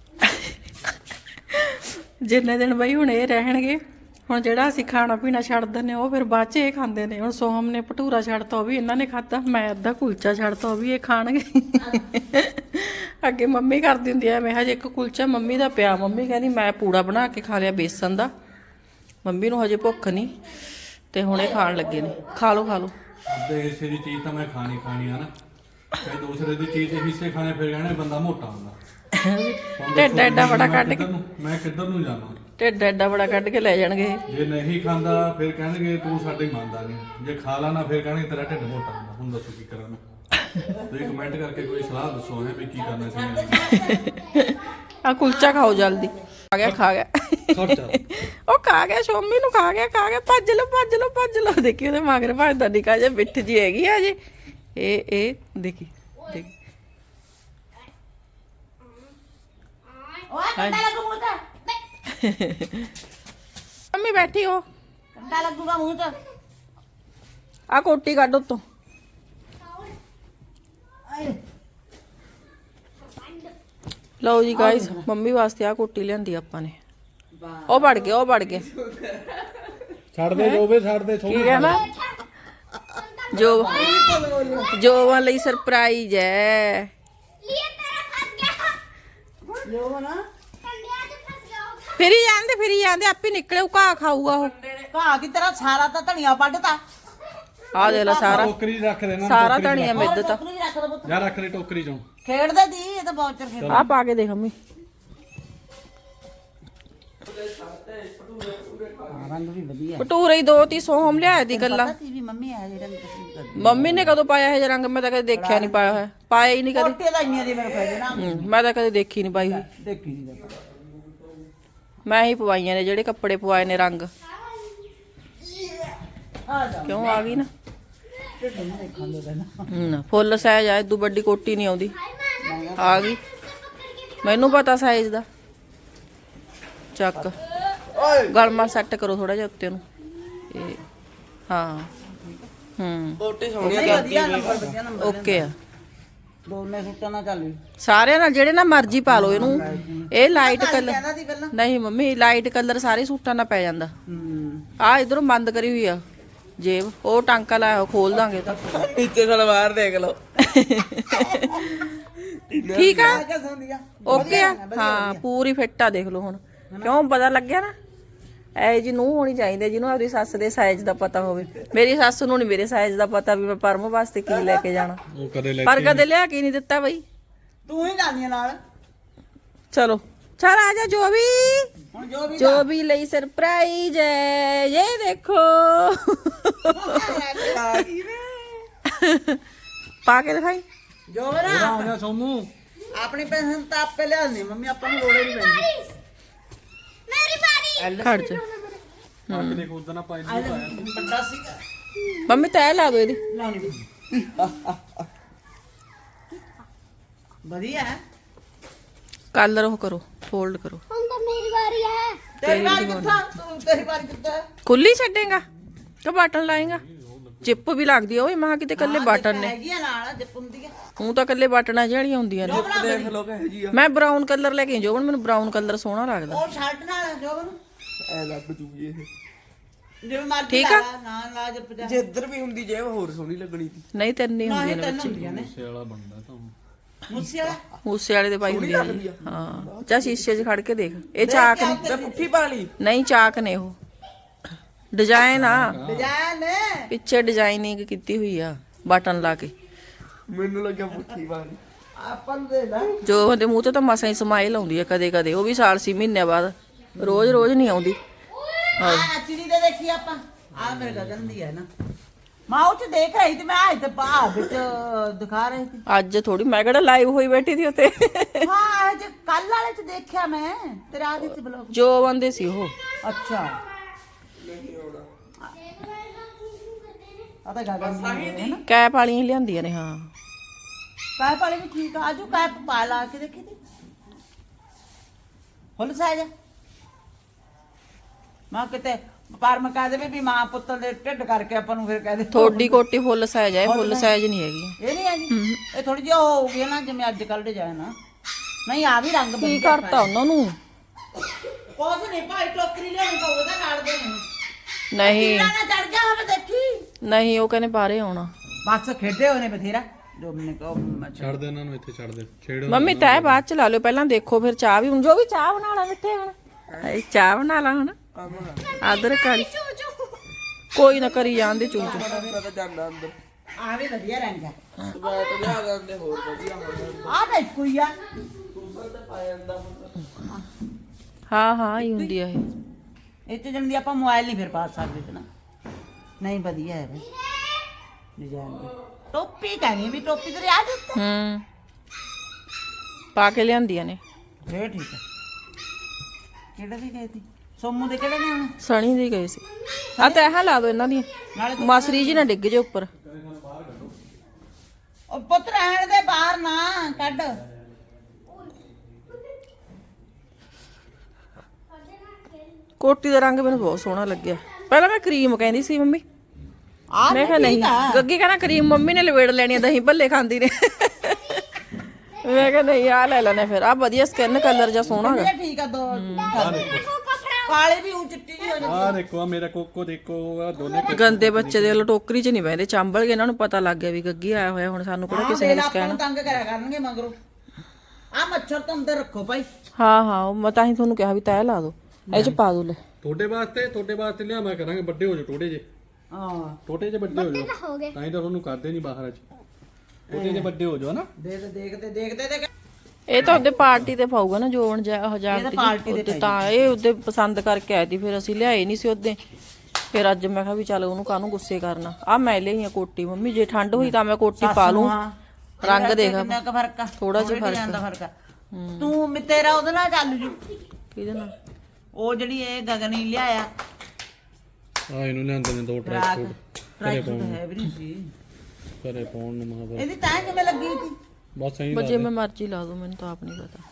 Speaker 2: ਜਿੰਨੇ ਦਿਨ ਬਈ ਹੁਣ ਇਹ ਰਹਿਣਗੇ ਹੁਣ ਜਿਹੜਾ ਅਸੀਂ ਖਾਣਾ ਪੀਣਾ ਛੱਡ ਦਿੰਦੇ ਉਹ ਫਿਰ ਬਾਅਦ ਚ ਇਹ ਖਾਂਦੇ ਨੇ ਹੁਣ ਸੋਹਮ ਨੇ ਭਟੂਰਾ ਛੱਡਤਾ ਉਹ ਵੀ ਇਹਨਾਂ ਨੇ ਖਾਧਾ ਮੈਂ ਅੱਧਾ ਕੁਲਚਾ ਛੱਡਤਾ ਉਹ ਵੀ ਇਹ ਖਾਣਗੇ ਅੱਗੇ ਮੰਮੀ ਕਰਦੀ ਹੁੰਦੀ ਐ ਮੈਂ ਹਜੇ ਇੱਕ ਕੁਲਚਾ ਮੰਮੀ ਦਾ ਪਿਆ ਮੰਮੀ ਕਹਿੰਦੀ ਮੈਂ ਪੂੜਾ ਬਣਾ ਕੇ ਖਾ ਲਿਆ ਬੇਸਨ ਦਾ ਮੰਮੀ ਨੂੰ ਹਜੇ ਭੁੱਖ ਨਹੀਂ ਤੇ ਹੁਣ ਇਹ ਖਾਣ ਲੱਗੇ ਨੇ ਖਾ ਲਓ ਖਾ ਲਓ
Speaker 1: ਅੱਧੇ ਹਿੱਸੇ ਦੀ ਚੀਜ਼ ਤਾਂ ਮੈਂ ਖਾਣੀ ਖਾਣੀ ਆ ਨਾ ਤੇ ਦੂਸਰੇ ਦੀ ਚੀਜ਼ ਦੇ ਹਿੱਸੇ ਖਾਣੇ ਫਿਰ ਕਹਿੰਦੇ ਬੰਦਾ ਮੋਟਾ ਹੁੰਦਾ
Speaker 2: ਢਿੱਡ ਐਡਾ ਬੜਾ ਕੱਢ ਕੇ
Speaker 1: ਕਿੱਧਰ ਨੂੰ- ਮੈਂ ਕਿੱਧਰ ਨੂੰ ਜਾਵਾਂ
Speaker 2: ਢਿੱਡ ਐਡਾ ਬੜਾ ਕੱਢ ਕੇ ਲੈ ਜਾਣਗੇ ਇਹ।
Speaker 1: ਜੇ ਨਹੀਂ ਖਾਂਦਾ ਫਿਰ ਕਹਿਣਗੇ ਤੂੰ ਸਾਡੇ ਮੰਨਦਾ ਨਹੀਂ ਜੇ ਖਾ ਲਾਣਾ ਫਿਰ ਕਹਿਣਗੇ ਤੇਰਾ ਢਿੱਡ ਮੋਟਾ ਹੁੰਦਾ ਹੁਣ ਦੱਸੋ ਕੀ ਕਰਾਂ ਮੈਂ ਤੁਸੀਂ ਕਮੈਂਟ ਕਰਕੇ ਕੋਈ ਸਲਾਹ ਦੱਸੋ ਹੈ ਵੀ ਕੀ ਕਰਨਾ ਚਾਹੀਦਾ
Speaker 2: ਆ ਕੁਲਚਾ ਖਾਓ ਜਲਦੀ ਖਾ ਗਿਆ ਖਾ ਗਿਆ
Speaker 1: ਖਰਚਾ
Speaker 2: ਉਹ ਖਾ ਗਿਆ ਸ਼ੋਮੀ ਨੂੰ ਖਾ ਗਿਆ ਖਾ ਗਿਆ ਭੱਜ ਲਓ ਭੱਜ ਲਓ ਭੱਜ ਲਓ ਦੇਖੀ ਉਹਦੇ ਮਗਰ ਭੱਜਦਾ ਨਿਕਾ ਜਿਹਾ ਬਿੱਠ ਜੀ ਹੈਗੀ ਆ ਜੀ ਇਹ ਇਹ ਦੇਖੀ ਦੇਖੀ
Speaker 3: ਓਏ ਕੰਡਾ ਲੱਗੂਗਾ ਤਾਂ
Speaker 2: ਮੰਮੀ ਬੈਠੀ ਹੋ
Speaker 3: ਕੰਡਾ ਲੱਗੂਗਾ ਮੂੰਹ ਤੇ
Speaker 2: ਆ ਕੋਟੀ ਕੱਢ ਉੱਤੋਂ। ਲਓ ਜੀ ਗਾਇਸ, ਮੰਮੀ ਵਾਸਤੇ ਆ ਕੋਟੀ ਲਿਆਂਦੀ ਆਪਾਂ ਨੇ। ਉਹ ਵੜ ਗਿਆ, ਉਹ ਵੜ ਗਿਆ।
Speaker 4: ਛੱਡ ਦੇ ਜੋਵੇ, ਛੱਡ ਦੇ
Speaker 2: ਕੀ ਕਹਿਣਾ? ਜੋ ਜੋਵਾਂ ਲਈ ਸਰਪ੍ਰਾਈਜ਼ ਹੈ।
Speaker 3: लिए तेरा फंस गया
Speaker 2: ਜੋ ਨਾ
Speaker 3: कंडिया से फंस गया
Speaker 2: ਫਿਰੀ ਜਾਂਦੇ ਫਿਰੀ ਜਾਂਦੇ ਆਪੇ ਨਿਕਲੇ ਘਾਹ ਖਾਊਗਾ ਉਹ।
Speaker 8: ਘਾਹ ਕੀ ਤੇਰਾ ਸਾਰਾ ਤਾਂ ਧਨੀਆ ਵੱਢਤਾ।
Speaker 2: ਆ ਦੇ ਲੈ ਸਾਰਾ
Speaker 4: ਟੋਕਰੀ ਰੱਖ ਦੇਣਾ,
Speaker 2: ਸਾਰਾ ਧਣੀਆ ਮਿੱਦ ਤਾ।
Speaker 8: ਟੋਕਰੀ ਰੱਖ ਦੇ ਪੁੱਤ।
Speaker 4: ਜਾਂ ਰੱਖ ਦੇ ਟੋਕਰੀ ਚੋਂ।
Speaker 8: ਖੇਡਦੇ ਦੀ ਇਹ ਤਾਂ ਬਹੁਤ ਚਿਰ ਖੇਡ।
Speaker 2: ਆ ਪਾ ਕੇ ਦੇਖ ਮੰਮੀ।
Speaker 8: ਰੰਗ ਵੀ ਵਧੀਆ।
Speaker 2: ਭਟੂਰੇ ਹੀ ਦੋ ਤੀ ਸੋਹਮ ਲਿਆਏ ਦੀ ਗੱਲਾਂ।
Speaker 8: ਪਤਾ ਵੀ ਮੰਮੀ ਆ ਜਿਹੜਾ ਪਸੰਦ ਕਰਦੀ।
Speaker 2: ਮੰਮੀ ਨੇ ਕਦੋਂ ਪਾਇਆ ਇਹ ਜਿਹਾ ਰੰਗ? ਮੈਂ ਤਾਂ ਕਦੇ ਦੇਖਿਆ ਨਹੀਂ ਪਾਇਆ ਹੋਇਆ, ਪਾਇਆ ਹੀ ਨਹੀਂ ਕਦੇ।
Speaker 8: ਕੋਟੇ ਦਾ ਇੰਨੀਆਂ ਦੀ ਮੇਰੇ ਪੈਦੇ ਨਾ
Speaker 2: ਹੂੰ, ਮੈਂ ਤਾਂ ਕਦੇ ਦੇਖੀ ਨਹੀਂ ਪਾਈ ਹੋਈ।
Speaker 8: ਦੇਖੀ ਨਹੀਂ ਦੇਖਾ।
Speaker 2: ਮੈਂ ਹੀ ਪਵਾਈਆਂ ਨੇ ਜਿਹੜੇ ਕੱਪੜੇ ਪਵਾਏ ਨੇ ਰੰਗ।
Speaker 8: ਆ ਜਾ
Speaker 2: ਕਿਉਂ ਆ ਗਈ ਨਾ?
Speaker 8: ਢਿੱਡ ਨੂੰ ਦੇਖਣ ਦੇ ਦੇਣਾ।
Speaker 2: ਹੂੰ, ਫੁੱਲ ਸਾਈਜ਼ ਆ, ਇਦੋਂ ਵੱਡੀ ਕੋਟੀ ਨਹੀਂ ਆਉਂਦੀ। ਆ ਗਈ, ਮੈਨੂੰ ਪਤਾ ਸਾਈਜ਼ ਦਾ। ਚੱਕ ਗਲਮਾ ਸੈੱਟ ਕਰੋ ਥੋੜਾ ਜਿਹਾ ਉੱਤੇ ਨੂੰ। ਇਹ ਹਾਂ, ਹੂੰ
Speaker 7: ਕੋਟੀ ਸੋਹਣੀ
Speaker 8: ਨਹੀਂ ਵਧੀਆ ਨੰਬਰ ਵਧੀਆ ਨੰਬਰ।
Speaker 2: ਓਕੇ ਆ।
Speaker 8: ਦੋਨੇ ਸੁੱਟਾਂ ਨਾਲ ਚੱਲ ਵੀ।
Speaker 2: ਸਾਰਿਆਂ ਨਾਲ ਜਿਹੜੇ ਨਾ ਮਰਜ਼ੀ ਪਾ ਲਓ ਇਹਨੂੰ। ਇਹ ਲਾਈਟ ਕਲਰ
Speaker 8: ਕਹਿੰਦਾ ਸੀ ਪਹਿਲਾਂ।
Speaker 2: ਨਹੀਂ ਮੰਮੀ, ਲਾਈਟ ਕਲਰ ਸਾਰੇ ਸੂਟਾਂ ਨਾਲ ਪੈ ਜਾਂਦਾ।
Speaker 8: ਹੂੰ
Speaker 2: ਆ ਇਧਰੋਂ ਬੰਦ ਕਰੀ ਹੋਈ ਆ ਜੇਬ, ਉਹ ਟਾਂਕਾ ਲਾਇਆ ਹੋਇਆ, ਖੋਲ ਦਾਂਗੇ ਤਾਂ।
Speaker 7: ਨੀਚੇ ਸਲਵਾਰ ਦੇਖ ਲਓ।
Speaker 2: ਠੀਕ ਆ,
Speaker 8: ਕਿਆ ਸੁਣਦੀ ਆ?
Speaker 2: ਓਕੇ ਆ। ਹਾਂ ਪੂਰੀ ਫਿੱਟ ਆ, ਦੇਖ ਲਓ ਹੁਣ। ਕਿਉਂ ਪਤਾ ਲੱਗਿਆ ਨਾ? ਐ ਜੀ ਨੂੰ ਹੋਣੀ ਚਾਹੀਦੀ ਜਿਹਨੂੰ ਆਪਣੀ ਸੱਸ ਦੇ ਸਾਈਜ਼ ਦਾ ਪਤਾ ਹੋਵੇ। ਮੇਰੀ ਸੱਸ ਨੂੰ ਨਹੀਂ ਮੇਰੇ ਸਾਈਜ਼ ਦਾ ਪਤਾ ਵੀ ਮੈਂ ਪਰਮ ਵਾਸਤੇ ਕੀ ਲੈ ਕੇ ਜਾਣਾ,
Speaker 4: ਉਹ ਕਦੇ ਲੈ
Speaker 2: ਪਰ ਕਦੇ ਲਿਆ ਕੇ ਨਹੀਂ ਦਿੱਤਾ ਬਈ।
Speaker 8: ਤੂੰ ਹੀ ਜਾਂਦੀ ਆ ਨਾਲ।
Speaker 2: ਚਲੋ ਚਲ ਆ ਜਾ ਜੋ ਵੀ
Speaker 8: ਹੁਣ ਜੋ ਵੀ
Speaker 2: ਜੋ ਵੀ ਲਈ ਸਰਪ੍ਰਾਈਜ਼ ਹੈ। ਇਹ ਦੇਖੋ ਪਾ ਕੇ ਦਿਖਾਈ।
Speaker 8: ਜੋ ਵੀ ਨਾ
Speaker 4: ਆ ਗਿਆ ਸੋਮੂ।
Speaker 8: ਆਪਣੀ ਪੈਨਸ਼ਨ ਤਾਂ ਆਪੇ ਲਿਆਉਣੀ ਮੰਮੀ, ਆਪਾਂ ਨੂੰ ਲੋੜ ਹੀ ਨਹੀਂ ਪੈਂਦੀ।
Speaker 3: मेरी बारी
Speaker 2: ਖੜ ਜਾ
Speaker 4: ਅੱਗ ਦੇ ਖੁਦ ਨਾ ਪਾਈ
Speaker 8: ਆ ਲੈ, ਵੱਡਾ ਸੀਗਾ
Speaker 2: ਮੰਮੀ ਤੈ ਲਾ ਦੋ ਇਹਦੀ।
Speaker 8: ਲਾਉਣੀ ਵਧੀਆ ਹੈ।
Speaker 2: ਕਲਰ ਉਹ ਕਰੋ, ਫੋਲਡ ਕਰੋ।
Speaker 3: हम तो मेरी बारी है
Speaker 8: ਤੇਰੀ ਵਾਰੀ ਕਿੱਥਾ? ਤੂੰ ਤੇਰੀ ਵਾਰੀ ਕਿੱਥਾ?
Speaker 2: ਖੁੱਲੀ ਛੱਡੇਗਾ ਕਿ ਬਟਨ ਲਾਏਗਾ? ਜਿੱਪ ਵੀ ਲੱਗਦੀ ਆ ਓਏ, ਮਾਂ ਕਿਤੇ ਕੱਲੇ ਬਟਨ ਨੇ।
Speaker 8: ਹੈਗੀ ਆ ਨਾਲ ਜਿੱਪ ਹੁੰਦੀ ਆ।
Speaker 2: ਹੂੰ ਤਾਂ ਕੱਲੇ ਬਟਨਾਂ ਜਿਹੜੀਆਂ ਹੁੰਦੀਆਂ ਨੇ।
Speaker 7: ਦੇਖ ਲਓ ਕਹੇ ਜੀ ਆ।
Speaker 2: ਮੈਂ ਬਰਾਊਨ ਕਲਰ ਲੈ ਕੇ ਜੋ ਮੈਨੂੰ ਬਰਾਊਨ ਕਲਰ ਸੋਹਣਾ ਲੱਗਦਾ।
Speaker 8: ਉਹ ਸ਼ਰਟ ਨਾਲ ਜੋ ਨੂੰ
Speaker 7: ਐ ਲੱਗ ਜੂਗੀ ਇਹ।
Speaker 8: ਜਿਵੇਂ ਮਰਜ਼ੀ
Speaker 2: ਠੀਕ ਆ।
Speaker 8: ਲਾ ਨਾ ਲਾ ਜਿੱਪ ਜਾ।
Speaker 7: ਜੇ ਇੱਧਰ ਵੀ ਹੁੰਦੀ ਜੇ ਹੋਰ ਸੋਹਣੀ ਲੱਗਣੀ ਸੀ।
Speaker 2: ਨਹੀਂ ਤਿੰਨ ਹੀ
Speaker 8: ਨਾ
Speaker 2: ਹੁੰਦੀਆਂ
Speaker 8: ਇਹ
Speaker 2: ਨੇ
Speaker 8: ਤਿੰਨ
Speaker 2: ਬੱਚੇ।
Speaker 8: ਹੁੰਦੀਆਂ ਨੇ।
Speaker 4: ਸਿਆਲਾ ਬਣਦਾ ਤਾਂ
Speaker 8: ਮੁੱਸੇ ਵਾਲਾ
Speaker 2: ਮੂਸੇ ਵਾਲੇ ਦੇ ਪਾਈ ਹੁੰਦੀ ਆ ਜੀ। ਹਾਂ ਜਾਂ ਸ਼ੀਸ਼ੇ 'ਚ ਖੜ ਕੇ ਦੇਖ। ਇਹ ਚਾਕ ਨੇ,
Speaker 7: ਤੇ ਪੁੱਠੀ ਪਾ ਲਈ।
Speaker 2: ਨਹੀਂ ਚਾਕ ਨੇ ਉਹ। ਡਿਜ਼ਾਈਨ ਆ,
Speaker 8: ਡਿਜ਼ਾਈਨ
Speaker 2: ਪਿੱਛੇ ਡਿਜ਼ਾਈਨਿੰਗ ਕੀਤੀ ਹੋਈ ਆ ਬਟਨ ਲਾ ਕੇ।
Speaker 7: ਮੈਨੂੰ ਲੱਗਿਆ ਪੁੱਠੀ ਪਾ ਲਈ।
Speaker 8: ਆਪਾਂ ਨੂੰ ਦੇ ਲੈ।
Speaker 2: ਜੋ ਉਹਦੇ ਮੂੰਹ ਤੇ ਤਾਂ ਮਸਾਂ ਹੀ ਸਮਾਈਲ ਆਉਂਦੀ ਆ ਕਦੇ ਕਦੇ, ਉਹ ਵੀ ਸਾਲ ਛੇ ਮਹੀਨਿਆਂ ਬਾਅਦ, ਰੋਜ਼ ਰੋਜ਼ ਨਹੀਂ ਆਉਂਦੀ।
Speaker 8: ਆ ਚਿੜੀ ਦੇ ਦੇਖੀ ਆਪਾਂ। ਆ ਮੇਰੇ ਗਗਨ ਦੀ ਹੈ ਨਾ। ਮਾਂ ਉਹ ਚ ਦੇਖ ਰਹੀ ਤੇ ਮੈਂ ਆ ਇੱਥੇ ਬਾਹਰ ਵਿੱਚ ਦਿਖਾ ਰਹੀ ਸੀ।
Speaker 2: ਅੱਜ ਥੋੜੀ ਮੈਂ ਕਿਹੜਾ ਲਾਈਵ ਹੋਈ ਬੈਠੀ ਸੀ ਉੱਤੇ।
Speaker 8: ਹਾਂ ਅੱਜ ਕੱਲ ਵਾਲੇ ਚ ਦੇਖਿਆ ਮੈਂ ਤੇਰਾ ਆ ਵਿੱਚ ਬਲੌਗ।
Speaker 2: ਜੋ ਬੰਦੇ ਸੀ ਉਹ।
Speaker 8: ਅੱਛਾ ਆ ਤਾਂ ਗਗਨ ਦੀ ਹੈ ਨਾ।
Speaker 2: ਕੈਪ ਵਾਲੀਆਂ ਲਿਆਂਦੀਆਂ ਨੇ। ਹਾਂ
Speaker 8: ਕੈਪ ਵਾਲੀ ਵੀ ਠੀਕ ਆ। ਆਜੂ ਕੈਪ ਪਾ ਲਾ ਕੇ ਦੇਖੀ ਤੇ ਫੁੱਲ ਸਾਈਜ਼ ਮਾਂ ਕਿਤੇ ਪਰ ਮੈਂ ਕਹਿ ਦੇਵੇ ਵੀ ਮਾਂ ਪੁੱਤ ਦੇ ਢਿੱਡ ਕਰਕੇ ਆਪਾਂ ਨੂੰ ਫਿਰ ਕਹਿ ਦੇ
Speaker 2: ਥੋੜੀ ਕੋਟੀ ਫੁੱਲ ਸਾਈਜ਼ ਹੈ, ਫੁੱਲ ਸਾਈਜ਼ ਨਹੀਂ ਹੈਗੀ।
Speaker 8: ਇਹ ਨਹੀਂ ਹੈਗੀ। ਇਹ ਥੋੜੀ ਜਿਹੀ ਹੋ ਗਈ ਨਾ ਜਿਵੇਂ ਅੱਜ ਕੱਲ ਡਿਜ਼ਾਈਨ ਆ। ਨਹੀਂ ਆ ਵੀ ਰੰਗ
Speaker 2: ਕੀ ਕਰਤਾ ਉਹਨਾਂ ਨੂੰ?
Speaker 8: ਕੁਛ ਨਹੀਂ ਭਾਈ ਟੋਕਰੀ ਲਿਆਉਣੀ ਪਊਗਾ ਨਾਲ ਦੇ ਨੂੰ।
Speaker 2: ਨਹੀਂ
Speaker 8: ਨਾ ਚੜ ਜਾ ਹੋਵੇ ਦੇਖੀ।
Speaker 2: ਨਹੀਂ, ਉਹ ਕਹਿੰਦੇ ਬਾਹਰੇ ਆਉਣਾ।
Speaker 8: ਬਸ ਖੇਡੇ ਹੋਏ ਨੇ ਬਥੇਰਾ। ਜੋ ਮੈਨੇ ਕਹੋ
Speaker 4: ਛੱਡ ਦੇ ਇਹਨਾਂ ਨੂੰ, ਇੱਥੇ ਛੱਡ ਦੇ। ਛੇੜ
Speaker 2: ਮੰਮੀ ਤੈ ਬਾਅਦ ਚ ਲਾ ਲਿਓ, ਪਹਿਲਾਂ ਦੇਖੋ ਫਿਰ ਚਾਹ ਵੀ ਹੁਣ। ਜੋ ਵੀ ਚਾਹ ਬਣਾ ਲਾ ਮਿੱਠੇ ਹੁਣ। ਹਾਏ ਚਾਹ ਬਣਾ ਲਾ ਹੁਣ। ਆਦਰ ਕਾਲੀ ਕੋਈ ਨਾ ਕਰੀ ਜਾਂਦੇ ਚੂਚੂ।
Speaker 7: ਮੈਂ ਤਾਂ ਜਾਂਦਾ ਅੰਦਰ।
Speaker 8: ਆ ਵੀ ਵਧੀਆ ਰੰਗ ਆ।
Speaker 7: ਮੈਂ ਤਾਂ ਲਿਆ ਜਾਂਦੇ ਹੋਰ ਵਧੀਆ ਹੁੰਦਾ।
Speaker 8: ਆ ਤਾਂ ਇੱਕੋ ਹੀ ਆ।
Speaker 7: ਪਾ ਜਾਂਦਾ
Speaker 2: ਹਾਂ ਹਾਂ ਹੀ ਹੁੰਦੀ ਆ ਇਹ।
Speaker 8: ਇਹ ਚ ਜਲਦੀ ਆਪਾਂ ਮੋਬਾਈਲ ਨਹੀਂ ਫਿਰ ਪਾ ਸਕਦੇ ਤੇ ਨਾ। ਨਹੀਂ ਵਧੀਆ ਹੈ ਬਈ ਡਿਜ਼ਾਈਨ ਦੀ। ਟੋਪੀ ਕਹਿੰਦੀ ਵੀ ਟੋਪੀ ਤੇ ਆ ਦਿੱਤਾ।
Speaker 2: ਹੂੰ ਪਾ ਕੇ ਲਿਆਂਦੀਆਂ ਨੇ।
Speaker 8: ਫੇਰ ਠੀਕ ਹੈ। ਕਿਹੜੇ ਦੀ ਗਏ ਸੀ? ਸੋਮੂ ਦੇ ਕਿਹੜੇ ਨੇ ਹੁਣ?
Speaker 2: ਸਣੀ ਦੀ ਗਏ ਸੀ। ਆ ਤੈਹਾਂ ਲਾ ਦੋ ਇਹਨਾਂ ਦੀਆਂ,
Speaker 8: ਨਾਲੇ
Speaker 2: ਮਾਸਰੀ ਜੀ ਨਾ ਡਿੱਗ ਜੇ ਉੱਪਰ।
Speaker 8: ਉਹ ਪੁੱਤ ਰਹਿਣ ਦੇ ਬਾਹਰ ਨਾ ਕੱਢ।
Speaker 2: ਕੋਟੀ ਦਾ ਰੰਗ ਮੈਨੂੰ ਬਹੁਤ ਸੋਹਣਾ ਲੱਗਿਆ। ਪਹਿਲਾਂ ਮੈਂ ਕਰੀਮ ਕਹਿੰਦੀ ਸੀ ਮੰਮੀ,
Speaker 8: ਆ
Speaker 2: ਮੈਂ ਕਿਹਾ ਨਹੀਂ ਗੱਗੀ ਕਹਿੰਦਾ ਕਰੀਮ ਮੰਮੀ ਨੇ ਲਵੇੜ ਲੈਣੀ ਆ, ਦਹੀਂ ਭੱਲੇ ਖਾਂਦੀ ਨੇ। ਮੈਂ ਕਿਹਾ ਨਹੀਂ ਆ ਲੈ ਲੈਣੇ ਫਿਰ। ਆ ਵਧੀਆ ਸਕਿਨ ਕਲਰ ਜਾਂ ਸੋਹਣਾ ਹੈਗਾ।
Speaker 8: ਇਹ ਠੀਕ ਆ ਦੋ ਕਾਲੇ ਵੀ ਉਹ ਚਿੱਟੀ ਜਿਹੀ ਹੋ ਜਾਂਦੀ।
Speaker 1: ਆ ਦੇਖੋ ਆ ਮੇਰਾ ਕੋਕੋ ਦੇਖੋ ਆ ਦੋਨੇ
Speaker 2: ਗੰਦੇ ਬੱਚੇ ਦੇ ਵੱਲੋਂ ਟੋਕਰੀ 'ਚ ਨਹੀਂ ਬਹਿੰਦੇ, ਚਾਂਬਲ ਕੇ ਇਹਨਾਂ ਨੂੰ ਪਤਾ ਲੱਗ ਗਿਆ ਵੀ ਗੱਗੀ ਆਇਆ ਹੋਇਆ। ਹੁਣ ਸਾਨੂੰ ਕਿਹੜਾ ਕਿਸੇ ਨੇ ਕੁਛ
Speaker 8: ਆਪਾਂ
Speaker 2: ਕਹਿਣਾ।
Speaker 8: ਨੂੰ ਤੰਗ ਕਰਿਆ ਕਰਨਗੇ ਮਗਰੋਂ। ਆ ਮੱਛਰ ਤੋਂ ਅੰਦਰ ਰੱਖੋ ਭਾਈ।
Speaker 2: ਹਾਂ ਹਾਂ ਉਹ ਮੈਂ ਤਾਂ ਹੀ ਤੁਹਾਨੂੰ ਕਿਹਾ ਵੀ ਤੈਅ ਲਾ ਦੋ, ਇਹ 'ਚ ਪਾ ਦੋ ਲੈ।
Speaker 1: ਤੁਹਾਡੇ ਵਾਸਤੇ ਤੁਹਾਡੇ ਵਾਸਤੇ ਲਿਆਵਾਂ ਕਰਾਂਗੇ, ਵੱਡੇ ਹੋ ਜਾਓ ਟੋਟੇ ਜੇ।
Speaker 8: ਹਾਂ
Speaker 1: ਟੋਟੇ ਜੇ ਵੱਡੇ ਹੋ ਜਾਓ,
Speaker 3: ਹੋ ਗਏ
Speaker 1: ਤਾਂ ਹੀ ਤਾਂ ਤੁਹਾਨੂੰ ਕਰਦੇ ਨਹੀਂ ਬਾਹਰ ਚ। ਟੋਟੇ ਜੇ ਵੱਡੇ ਹੋ ਜਾਓ ਨਾ।
Speaker 8: ਦੇਖਦੇ ਦੇਖਦੇ ਦੇਖਦੇ ਦੇਖ
Speaker 2: ਇਹ ਤਾਂ ਉਹਦੇ ਪਾਰਟੀ ਤੇ ਪਾਊਗਾ ਨਾ ਜੋਨ ਹਜ਼ਾਰ
Speaker 8: ਇਹ ਤਾਂ ਪਾਰਟੀ ਦੇ
Speaker 2: ਤਾਂ ਇਹ ਉਹਦੇ ਪਸੰਦ ਕਰਕੇ ਆਈ ਸੀ, ਫਿਰ ਅਸੀਂ ਲਿਆਏ ਨਹੀਂ ਸੀ ਉਹਦੇ। ਫਿਰ ਅੱਜ ਮੈਂ ਕਿਹਾ ਵੀ ਚੱਲ ਉਹਨੂੰ ਕਾਹਨੂੰ ਗੁੱਸੇ ਕਰਨਾ। ਆ ਮੈਂ ਲਈ ਆ ਕੋਟੀ ਮੰਮੀ, ਜੇ ਠੰਡ ਹੋਈ ਤਾਂ ਮੈਂ ਕੋਟੀ ਪਾ ਲੂੰ। ਰੰਗ ਦੇਖ
Speaker 8: ਕਿੰਨਾ ਕੁ ਫਰਕ ਆ,
Speaker 2: ਥੋੜਾ ਜਿਹਾ ਫਰਕ
Speaker 8: ਜਾਂਦਾ ਫਰਕ ਆ। ਤੂੰ ਮੇ- ਤੇਰਾ ਉਹਦੇ ਨਾਲ ਚੱਲ ਜੂ।
Speaker 2: ਕਿਹਦੇ ਨਾਲ?
Speaker 8: ਉਹ ਜਿਹੜੀ ਇਹ ਗਗਨੀ ਲਿਆਇਆ
Speaker 1: ਆ ਇਹਨੂੰ ਲਿਆਂਦੇ ਨੇ ਦੋ ਟਰੈਕ
Speaker 8: ਰਾਤ
Speaker 1: ਸੂਟ
Speaker 8: ਟਰਾਈ ਸੂਟ ਹੈ ਵੀ ਨਹੀਂ ਸੀ
Speaker 1: ਘਰੇ ਪਾਉਣ ਨੂੰ ਮਹਾਂ
Speaker 8: ਇਹਦੀ ਤਾਂ ਕਿਵੇਂ ਲੱਗੀ ਸੀ।
Speaker 1: ਬਸ ਐਂ
Speaker 2: ਬਜੇ ਮੈਂ ਮਰਜ਼ੀ ਲਾ ਦੂੰ, ਮੈਨੂੰ ਤਾਂ ਆਪ ਨਹੀਂ ਪਤਾ।